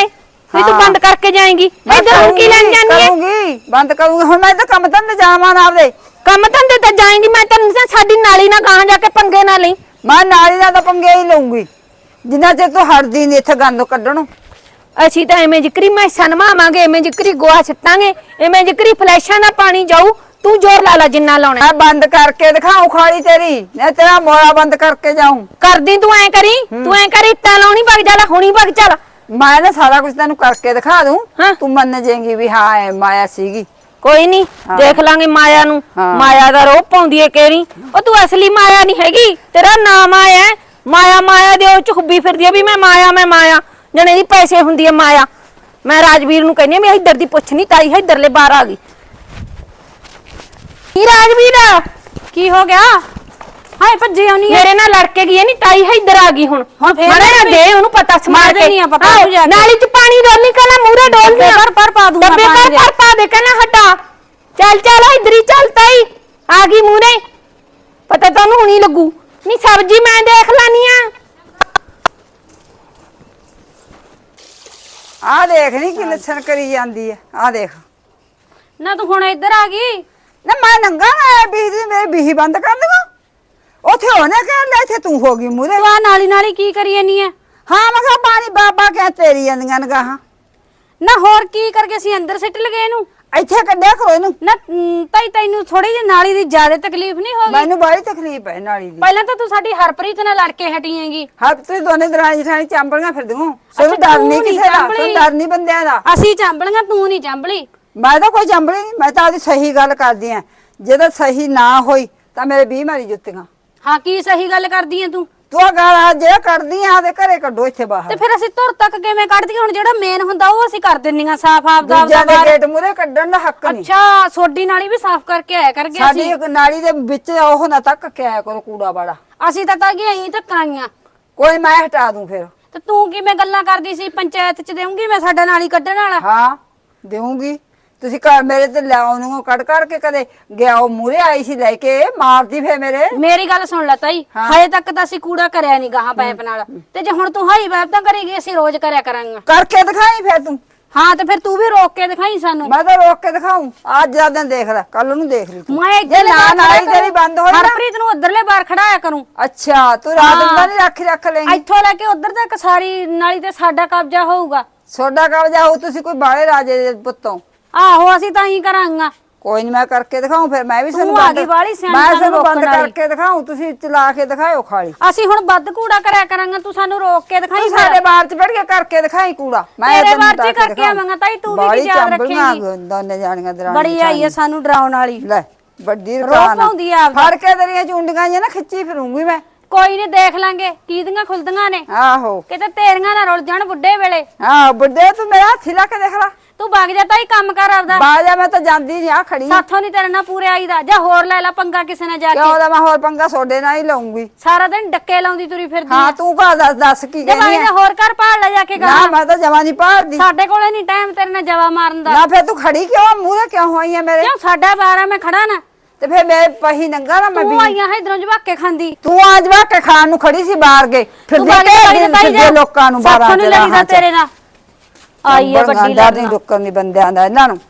Speaker 3: ਵੀ ਤੂੰ
Speaker 1: ਹਾਂ।
Speaker 3: ਬੰਦ ਕਰਕੇ ਜਾਏਂਗੀ ਇੱਧਰ ਹੁਣ ਕੀ ਲੈਣ ਜਾਣੀ ਹੈ
Speaker 1: ਕਰੂੰਗੀ ਬੰਦ ਕਰੂੰਗੀ ਹੁਣ ਮੈਂ ਤਾਂ ਕੰਮ ਧੰਦੇ ਜਾਵਾਂ ਨਾ ਆਪਦੇ
Speaker 3: ਕੰਮ ਧੰਦੇ ਤੇ ਜਾਏਂਗੀ ਮੈਂ ਤੈਨੂੰ ਦੱਸਾਂ ਸਾਡੀ ਨਾਲੀ ਨਾ ਗਾਂ ਜਾ ਕੇ ਪੰਗੇ ਨਾ ਲਈ
Speaker 1: ਮੈਂ ਨਾਲੀ ਨਾਲ ਤਾਂ ਪੰਗੇ ਹੀ ਲਊਂਗੀ ਜਿੰਨਾ ਚਿਰ ਤੂੰ ਹਟਦੀ ਨਹੀਂ ਇੱਥੇ ਗੰਦ ਕੱਢਣੋਂ
Speaker 3: ਅਸੀਂ ਤਾਂ ਐਵੇਂ ਜ਼ਿਕਰੀ ਮੈਸਾਂ ਨਵਾਵਾਂਗੇ ਐਵੇਂ ਜ਼ਿਕਰੀ ਗੋਹਾ ਛੱਟਾਂਗੇ ਐਵੇਂ ਜ਼ਿਕਰੀ ਫਲੈਸ਼ਾਂ ਨਾਲ ਪਾਣੀ ਜਾਊ ਤੂੰ ਜ਼ੋਰ ਲਾ ਲਾ ਜਿੰਨਾ ਲਾਉਣਾ
Speaker 1: ਮੈਂ ਬੰਦ ਕਰਕੇ ਦਿਖਾਉ ਖਾਲੀ ਤੇਰੀ ਮੈਂ ਤੇਰਾ ਮੋੜਾ ਬੰਦ ਕਰਕੇ ਜਾਊਂ
Speaker 3: ਕਰਦੀ ਤੂੰ ਐ ਕਰੀ ਇੱਟਾਂ ਲਾਉਣੀ ਵਗ ਜਾ ਹੁਣੀ ਵਗ ਚੱਲ
Speaker 1: ਮੈਂ ਨਾ ਸਾਰਾ ਕੁਝ ਤੈਨੂੰ ਕਰਕੇ ਦਿਖਾ ਦੂੰ
Speaker 3: ਹਾਂ।
Speaker 1: ਤੂੰ ਮੰਨ ਜਾਏਂਗੀ ਵੀ ਹਾਂ ਇਹ ਮਾਇਆ ਸੀਗੀ
Speaker 3: ਕੋਈ ਨਹੀਂ ਦੇਖ ਲਾਂਗੇ ਮਾਇਆ ਨੂੰ
Speaker 1: ਹਾਂ।
Speaker 3: ਮਾਇਆ ਦਾ ਰੋਹ ਪਾਉਂਦੀ ਏ ਕੇਰੀ ਉਹ ਤੂੰ ਅਸਲੀ ਮਾਇਆ ਨਹੀਂ ਹੈਗੀ ਤੇਰਾ ਨਾਮ ਆਇਆ ਹੈ। ਮਾਇਆ ਦੇ ਉਹ ਚ ਖੁੱਬੀ ਫਿਰਦੀ ਆ ਵੀ ਮੈਂ ਮਾਇਆ ਜਣੇ ਦੀ ਪੈਸੇ ਹੁੰਦੀ ਆ ਮਾਇਆ ਮੈਂ ਰਾਜਵੀਰ ਨੂੰ ਕਹਿੰਦੀ ਆ ਵੀ ਇੱਧਰ ਦੀ ਪੁੱਛ ਨਹੀਂ ਤਾਈ ਇੱਧਰਲੇ ਬਾਹਰ ਆ ਗਈ ਕੀ ਰਾਜਵੀਰ
Speaker 2: ਕੀ ਹੋ ਗਿਆ ਹਾਏ ਭੱਜੀ ਆਉਣੀ ਹੈ
Speaker 3: ਮੇਰੇ ਨਾਲ ਲੜ ਕੇ ਗਈ ਨਹੀਂ ਤਾਈ ਇੱਧਰ ਆ ਗਈ ਹੁਣ
Speaker 2: ਫੇਰ
Speaker 3: ਮਾੜਾ ਨਾ
Speaker 2: ਵੀ-
Speaker 3: ਦੇ ਉਹਨੂੰ ਪਤਾ ਸਮਾਰ
Speaker 2: ਮਾਰ
Speaker 3: ਕੇ
Speaker 2: ਦੇਣੀ ਆ ਪਤਾ ਉਹਨੂੰ ਜਾ ਕੇ।
Speaker 3: ਨਾਲੀ ਚ ਪਾਣੀ ਡੋਲਨੀ ਕਹਿੰਦਾ ਮੂਰੇ ਡੋਲਦੀ ਆ
Speaker 2: ਪਰ ਪਾ ਦੂੰਗਾ
Speaker 3: ਡੱਬੇ
Speaker 2: ਪਾਣੀ ਦੇ।
Speaker 3: ਪਰ ਪਾ ਦੇ ਕਹਿੰਦਾ ਹਟਾ ਚੱਲ ਇੱਧਰ ਹੀ ਚੱਲ ਤਾਈ ਆ ਗਈ ਮੂਰੇ ਪਤਾ ਤੁਹਾਨੂੰ ਹੁਣੀ ਲੱਗੂ ਨਹੀਂ ਸਬਜੀ ਮੈਂ ਦੇਖ ਲਾਨੀ ਆ
Speaker 1: ਆਹ ਦੇਖ ਨੀ ਕਿ ਲੱਛਣ ਕਰੀ ਜਾਂਦੀ ਹੈ ਆਹ ਦੇਖ
Speaker 2: ਨਾ ਤੂੰ ਹੁਣ ਇੱਧਰ ਆ ਗਈ
Speaker 1: ਨਾ ਮੈਂ ਨੰਗਾ ਨਾ ਬੀਹੀ ਮੇਰੇ ਬੀਹੀ ਬੰਦ ਕਰ ਦੂੰਗਾ ਉੱਥੇ ਹੋਣੇ ਕਹਿ ਲੈ ਇੱਥੇ ਤੂੰ ਹੋ ਗਈ ਮੂਰੇ
Speaker 2: ਤੂੰ ਆ ਨਾਲੀ ਕੀ ਕਰੀ ਜਾਨੀ ਐ
Speaker 1: ਹਾਂ ਮੈਂ ਕਿਹਾ ਪਾਣੀ ਬਾਬਾ ਕਹਿ ਤੇਰੀ ਜਾਂਦੀਆਂ ਨਗਾਹਾਂ
Speaker 2: ਨਾ ਹੋਰ ਕੀ ਕਰਕੇ ਅਸੀਂ ਅੰਦਰ ਸਿੱਟ ਲਗੇ ਇਹਨੂੰ
Speaker 1: ਇੱਥੇ ਕੱਢਿਆ ਕਰੋ ਇਹਨੂੰ
Speaker 2: ਨਾ ਤਾਈ ਤੈਨੂੰ ਥੋੜੀ ਜਿਹੀ ਨਾਲੀ ਦੀ ਜ਼ਿਆਦਾ ਤਕਲੀਫ ਨਹੀਂ ਹੋ ਗਈ
Speaker 1: ਮੈਨੂੰ ਬੜੀ ਤਕਲੀਫ ਹੈ ਨਾਲੀ ਦੀ
Speaker 2: ਪਹਿਲਾਂ ਤਾਂ ਤੂੰ ਸਾਡੀ ਹਰਪ੍ਰੀਤ ਨਾਲ ਲੜ ਕੇ ਹਟੀ ਹੈਗੀ
Speaker 1: ਹਾਂ ਤੁਸੀਂ ਦੋਨੇ ਦਰਾਣੀ ਜਠਾਣੀ ਚਾਂਬਲੀਆਂ ਫਿਰ ਦੂੰ ਸਾਨੂੰ ਡਰ
Speaker 2: ਤੂੰ
Speaker 1: ਨਹੀਂ
Speaker 2: ਨੀ
Speaker 1: ਕਿਸੇ ਦਾ
Speaker 2: ਚਾਂਬਲੀ।
Speaker 1: ਸਾਨੂੰ ਡਰ ਨਹੀਂ ਬੰਦਿਆਂ ਦਾ
Speaker 2: ਅਸੀਂ ਚਾਂਬਲੀਆਂ ਤੂੰ ਨਹੀਂ ਚਾਂਬਲੀ
Speaker 1: ਮੈਂ ਤਾਂ ਕੋਈ ਚਾਂਬਲੀ ਨਹੀਂ ਮੈਂ ਤਾਂ ਆਪਦੀ ਸਹੀ ਗੱਲ ਕਰਦੀ ਆ ਜੇ ਤਾਂ ਸਹੀ ਨਾ ਹੋਈ ਤਾਂ ਮੇਰੇ 20 ਮਾਰੀ ਜੁੱਤੀਆਂ
Speaker 2: ਹਾਂ ਕੀ ਸਹੀ ਗੱਲ ਕਰਦੀ ਐ ਤੂੰ
Speaker 1: ਤੂੰ ਆ ਗਾਲਾਂ ਜੇ ਕਰਦੀ ਆ ਤੇ ਘਰੇ ਕੱਢੋ ਇੱਥੇ
Speaker 2: ਤੇ
Speaker 1: ਬਾਹਰ
Speaker 2: ਫਿਰ ਅਸੀਂ ਧੁਰ ਤੱਕ ਕਿਵੇਂ ਕੱਢਦੀ ਹੁਣ ਜਿਹੜਾ ਮੇਨ ਹੁੰਦਾ ਉਹ ਅਸੀਂ ਕਰ ਦਿੰਨੀਆਂ ਸਾਫ਼ ਆਪਦਾ
Speaker 1: ਦੂਜਿਆਂ ਦੇ
Speaker 2: ਬਾਹਰ।
Speaker 1: ਗੇਟ ਮੂਰੇ ਕੱਢਣ ਦਾ ਹੱਕ ਨਹੀਂ
Speaker 2: ਅੱਛਾ ਸੋਡੀ ਨਾਲੀ ਵੀ ਸਾਫ਼ ਕਰਕੇ ਆਇਆ ਕਰਗੇ
Speaker 1: ਸਾਡੀ
Speaker 2: ਅਸੀਂ
Speaker 1: ਇੱਕ ਨਾਲੀ ਦੇ ਵਿੱਚ ਉਹ ਨਾ ਤੱਕ ਕੇ ਆਇਆ ਕਰੋ ਕੂੜਾ ਬਾੜਾ
Speaker 2: ਅਸੀਂ ਤਾਂ ਗਏ ਅਸੀਂ ਧੱਕਾਂੀਆਂ
Speaker 1: ਕੋਈ ਮੈਂ ਹਟਾ ਦੂੰ ਫਿਰ
Speaker 2: ਤੇ ਤੂੰ ਕਿਵੇਂ ਗੱਲਾਂ ਕਰਦੀ ਸੀ ਪੰਚਾਇਤ ਚ ਦੇਉਂਗੀ ਮੈਂ ਸਾਡਾ ਨਾਲੀ ਕੱਢਣ ਵਾਲਾ
Speaker 1: ਹਾਂ ਦੇਵਾਂਗੀ ਤੁਸੀਂ ਘਰ ਮੇਰੇ ਤੇ ਲਿਆਉ ਨੂੰ ਕੱਢ ਕੇ ਕਦੇ ਗਿਆ ਉਹ ਮੂਰੇ ਆਈ ਸੀ ਲੈ ਕੇ ਮਾਰਦੀ ਫੇ ਮੇਰੇ
Speaker 2: ਮੇਰੀ ਗੱਲ ਸੁਣ ਲੈ ਤਾਈ ਹਜੇ ਤੱਕ ਤਾਂ ਅਸੀਂ ਕੂੜਾ ਕਰਿਆ ਨਹੀਂ ਗਾਹਾਂ ਪਾਈਪ ਨਾਲ ਤੇ ਜੇ ਹੁਣ ਤੂੰ ਹਾਈ ਵੈਬ ਤਾਂ ਕਰੇਗੀ ਅਸੀਂ ਰੋਜ਼ ਕਰਿਆ ਕਰਾਂਗੇ
Speaker 1: ਕਰਕੇ ਦਿਖਾਈ ਫਿਰ ਤੂੰ
Speaker 2: ਹਾਂ ਤੇ ਫਿਰ ਤੂੰ ਵੀ ਰੋਕ ਕੇ ਦਿਖਾਈ ਸਾਨੂੰ
Speaker 1: ਮੈਂ ਤਾਂ ਰੋਕ ਕੇ ਦਿਖਾਉਂ ਅੱਜ ਦਾ ਦਿਨ ਦੇਖ ਲੈ ਕੱਲ ਨੂੰ ਦੇਖ ਲਈ ਤੂੰ
Speaker 2: ਮੈਂ
Speaker 1: ਜੇ
Speaker 2: ਇੱਧਰਲੇ
Speaker 1: ਨਾ
Speaker 2: ਬਾਹਰ
Speaker 1: ਨਾਲੀ
Speaker 2: ਖੜਾ
Speaker 1: ਤੇਰੀ ਬੰਦ ਹੋਈ ਨਾ
Speaker 2: ਹਰਪ੍ਰੀਤ ਨੂੰ ਉਧਰਲੇ ਬਾਹਰ ਖੜਾਇਆ ਕਰੂੰ
Speaker 1: ਅੱਛਾ ਤੂੰ ਰਾਤ ਨੂੰ ਤਾਂ ਨਹੀਂ ਰੱਖ ਲੈਂਗੀ
Speaker 2: ਇੱਥੋਂ ਲੈ ਕੇ ਉਧਰ ਤੱਕ ਸਾਰੀ ਨਾਲੀ ਤੇ ਸਾਡਾ ਕਬਜ਼ਾ ਹੋਊਗਾ
Speaker 1: ਸੋਡਾ ਕਬਜ਼ਾ ਹੋ ਤੁਸੀਂ ਕੋਈ ਬਾਲੇ ਰਾਜੇ ਦੇ ਪੁੱਤੋਂ
Speaker 2: ਆਹੋ ਅਸੀਂ ਤਾਂ ਹੀ ਕਰਾਂਗਾ
Speaker 1: ਕੋਈ ਨਹੀਂ ਮੈਂ ਕਰਕੇ ਦਿਖਾਉਂ ਫਿਰ ਮੈਂ ਵੀ
Speaker 2: ਤੂੰ ਆ ਗਈ ਵਾਲੀ ਸਿਆਣੀ
Speaker 1: ਮੈਂ
Speaker 2: ਸਾਨੂੰ
Speaker 1: ਤੁਹਾਨੂੰ ਬੰਦ
Speaker 2: ਰੋਕਣ ਵਾਲੀ।
Speaker 1: ਕਰਕੇ ਦਿਖਾਉਂ ਤੁਸੀਂ ਚਲਾ ਕੇ ਦਿਖਾਇਓ ਖਾਲੀ
Speaker 2: ਅਸੀਂ ਹੁਣ ਵੱਧ ਕੂੜਾ ਕਰਿਆ ਕਰਾਂਗੇ ਤੂੰ ਸਾਨੂੰ ਰੋਕ ਕੇ ਦਿਖਾਈ
Speaker 1: ਤੂੰ ਸਾਡੇ ਬਾਹਰ ਚ ਬੈਠ ਕੇ ਕਰਕੇ ਦਿਖਾਈ ਕੂੜਾ
Speaker 2: ਤੇਰੇ
Speaker 1: ਤੈਨੂੰ
Speaker 2: ਬਾਹਰ ਚ
Speaker 1: ਤਾਂ
Speaker 2: ਕਰਕੇ
Speaker 1: ਦਿਖਾਊਂ।
Speaker 2: ਆਵਾਂਗਾ ਤਾਈ, ਤੂੰ ਵੀ
Speaker 1: ਬਾਹਲੀ
Speaker 2: ਕੀ ਯਾਦ
Speaker 1: ਚਾਂਬਲੀਆਂ
Speaker 2: ਰੱਖੇਂਗੀ?
Speaker 1: ਦੋਨੇ ਜਾਣੀਆਂ ਦਰਾਣੀ
Speaker 2: ਬੜੀ ਆਈ ਹੈ ਸਾਨੂੰ ਡਰਾਉਣ ਵਾਲੀ
Speaker 1: ਲੈ ਵੱਡੀ
Speaker 2: ਰੋਹ
Speaker 1: ਰਕਾਨ
Speaker 2: ਪਾਉਂਦੀ ਆ ਆਪਦਾ।
Speaker 1: ਫੜ ਕੇ ਤੇਰੀਆਂ ਚੁੰਡੀਆਂ ਜਿਹਾ ਨਾ ਖਿੱਚੀ ਫਿਰੂੰਗੀ ਮੈਂ
Speaker 2: ਕੋਈ ਨਹੀਂ ਦੇਖ ਲਾਂਗੇ ਕੀਦੀਆਂ ਖੁੱਲਦੀਆਂ ਨੇ
Speaker 1: ਆਹੋ
Speaker 2: ਕਿਤੇ ਤੇਰੀਆਂ ਨਾ ਰੁੱਲ ਜਾਣ ਬੁੱਢੇ ਵੇਲੇ
Speaker 1: ਹਾਂ ਵੱਡੇ ਤੂੰ ਮੇਰਾ ਹੱਥੀ ਲਾ ਕੇ ਦੇਖ ਲੈ
Speaker 2: ਤੂੰ ਵਗ ਜਾ ਤਾਈ ਕੰਮ ਕਰ ਆਪਦਾ
Speaker 1: ਬਾਜਾ ਮੈਂ ਤਾਂ ਜਾਂਦੀ ਨਹੀਂ ਆ ਖੜੀ
Speaker 2: ਸਾਥੋਂ ਨਹੀਂ ਤੇਰੇ ਨਾਲ ਪੂਰੇ ਆਈਦਾ ਜਾਂ ਹੋਰ ਲੈ ਲੈ ਪੰਗਾ ਕਿਸੇ ਨਾਲ ਜਾ
Speaker 1: ਕਿਉਂ
Speaker 2: ਕੇ
Speaker 1: ਦਾ ਮੈਂ ਹੋਰ ਪੰਗਾ ਸੋਡੇ ਨਾਲ ਹੀ ਲਾਉਂਗੀ
Speaker 2: ਸਾਰਾ ਦਿਨ ਡੱਕੇ ਲਾਉਂਦੀ ਤੁਰੀ ਫਿਰਦੀ
Speaker 1: ਹਾਂ ਤੂੰ ਘਰ ਦੱਸ ਕੀ
Speaker 2: ਜੇ
Speaker 1: ਕਹਿੰਦੀ
Speaker 2: ਵਗ ਜਾ
Speaker 1: ਆ
Speaker 2: ਹੋਰ ਘਰ ਭਾਲ ਲੈ ਜਾ ਕੇ
Speaker 1: ਨਾ
Speaker 2: ਕਰ
Speaker 1: ਮੈਂ ਤਾਂ ਜਮਾ ਨਹੀਂ ਪਾੜਦੀ
Speaker 2: ਸਾਡੇ ਕੋਲੇ ਨਹੀਂ ਟਾਈਮ ਤੇਰੇ ਨਾਲ ਜਵਾ ਮਾਰਨ ਦਾ
Speaker 1: ਨਾ ਫਿਰ ਤੂੰ ਖੜੀ ਕਿਉਂ ਮੂਹਰੇ ਕਿਉਂ ਹੋਈ ਆ ਮੇਰੇ
Speaker 2: ਕਿਉਂ ਸਾਡਾ 12 ਮੈਂ ਖੜਾ ਨਾ
Speaker 1: ਤੇ ਫਿਰ ਮੈਂ ਪਹੀ ਨੰਗਾ ਨਾ ਮੈਂ
Speaker 2: ਤੂੰ
Speaker 1: ਵੀ
Speaker 2: ਆਈਆਂ ਇਧਰੋਂ ਜਵਾਕੇ ਖਾਂਦੀ
Speaker 1: ਤੂੰ ਅੱਜ ਵਾ ਕੇ ਖਾਣ ਨੂੰ ਖੜੀ ਸੀ ਬਾਹਰ ਗਏ ਫਿਰ
Speaker 2: ਤੂੰ ਵਗ ਜਾ, ਵਗ ਜਾ,
Speaker 1: ਦੇ ਲੋਕਾਂ ਨੂੰ 12
Speaker 2: ਸਾਥੋਂ ਨੀ ਲੱਗਦਾ ਤੇਰੇ ਨਾਲ ਆਈ ਹੈ ਵੱਡੀ
Speaker 1: ਡਰ ਨਹੀਂ ਰੁਕਣ ਦੀ ਬੰਦਿਆਂ ਦਾ ਇਹਨਾਂ ਨੂੰ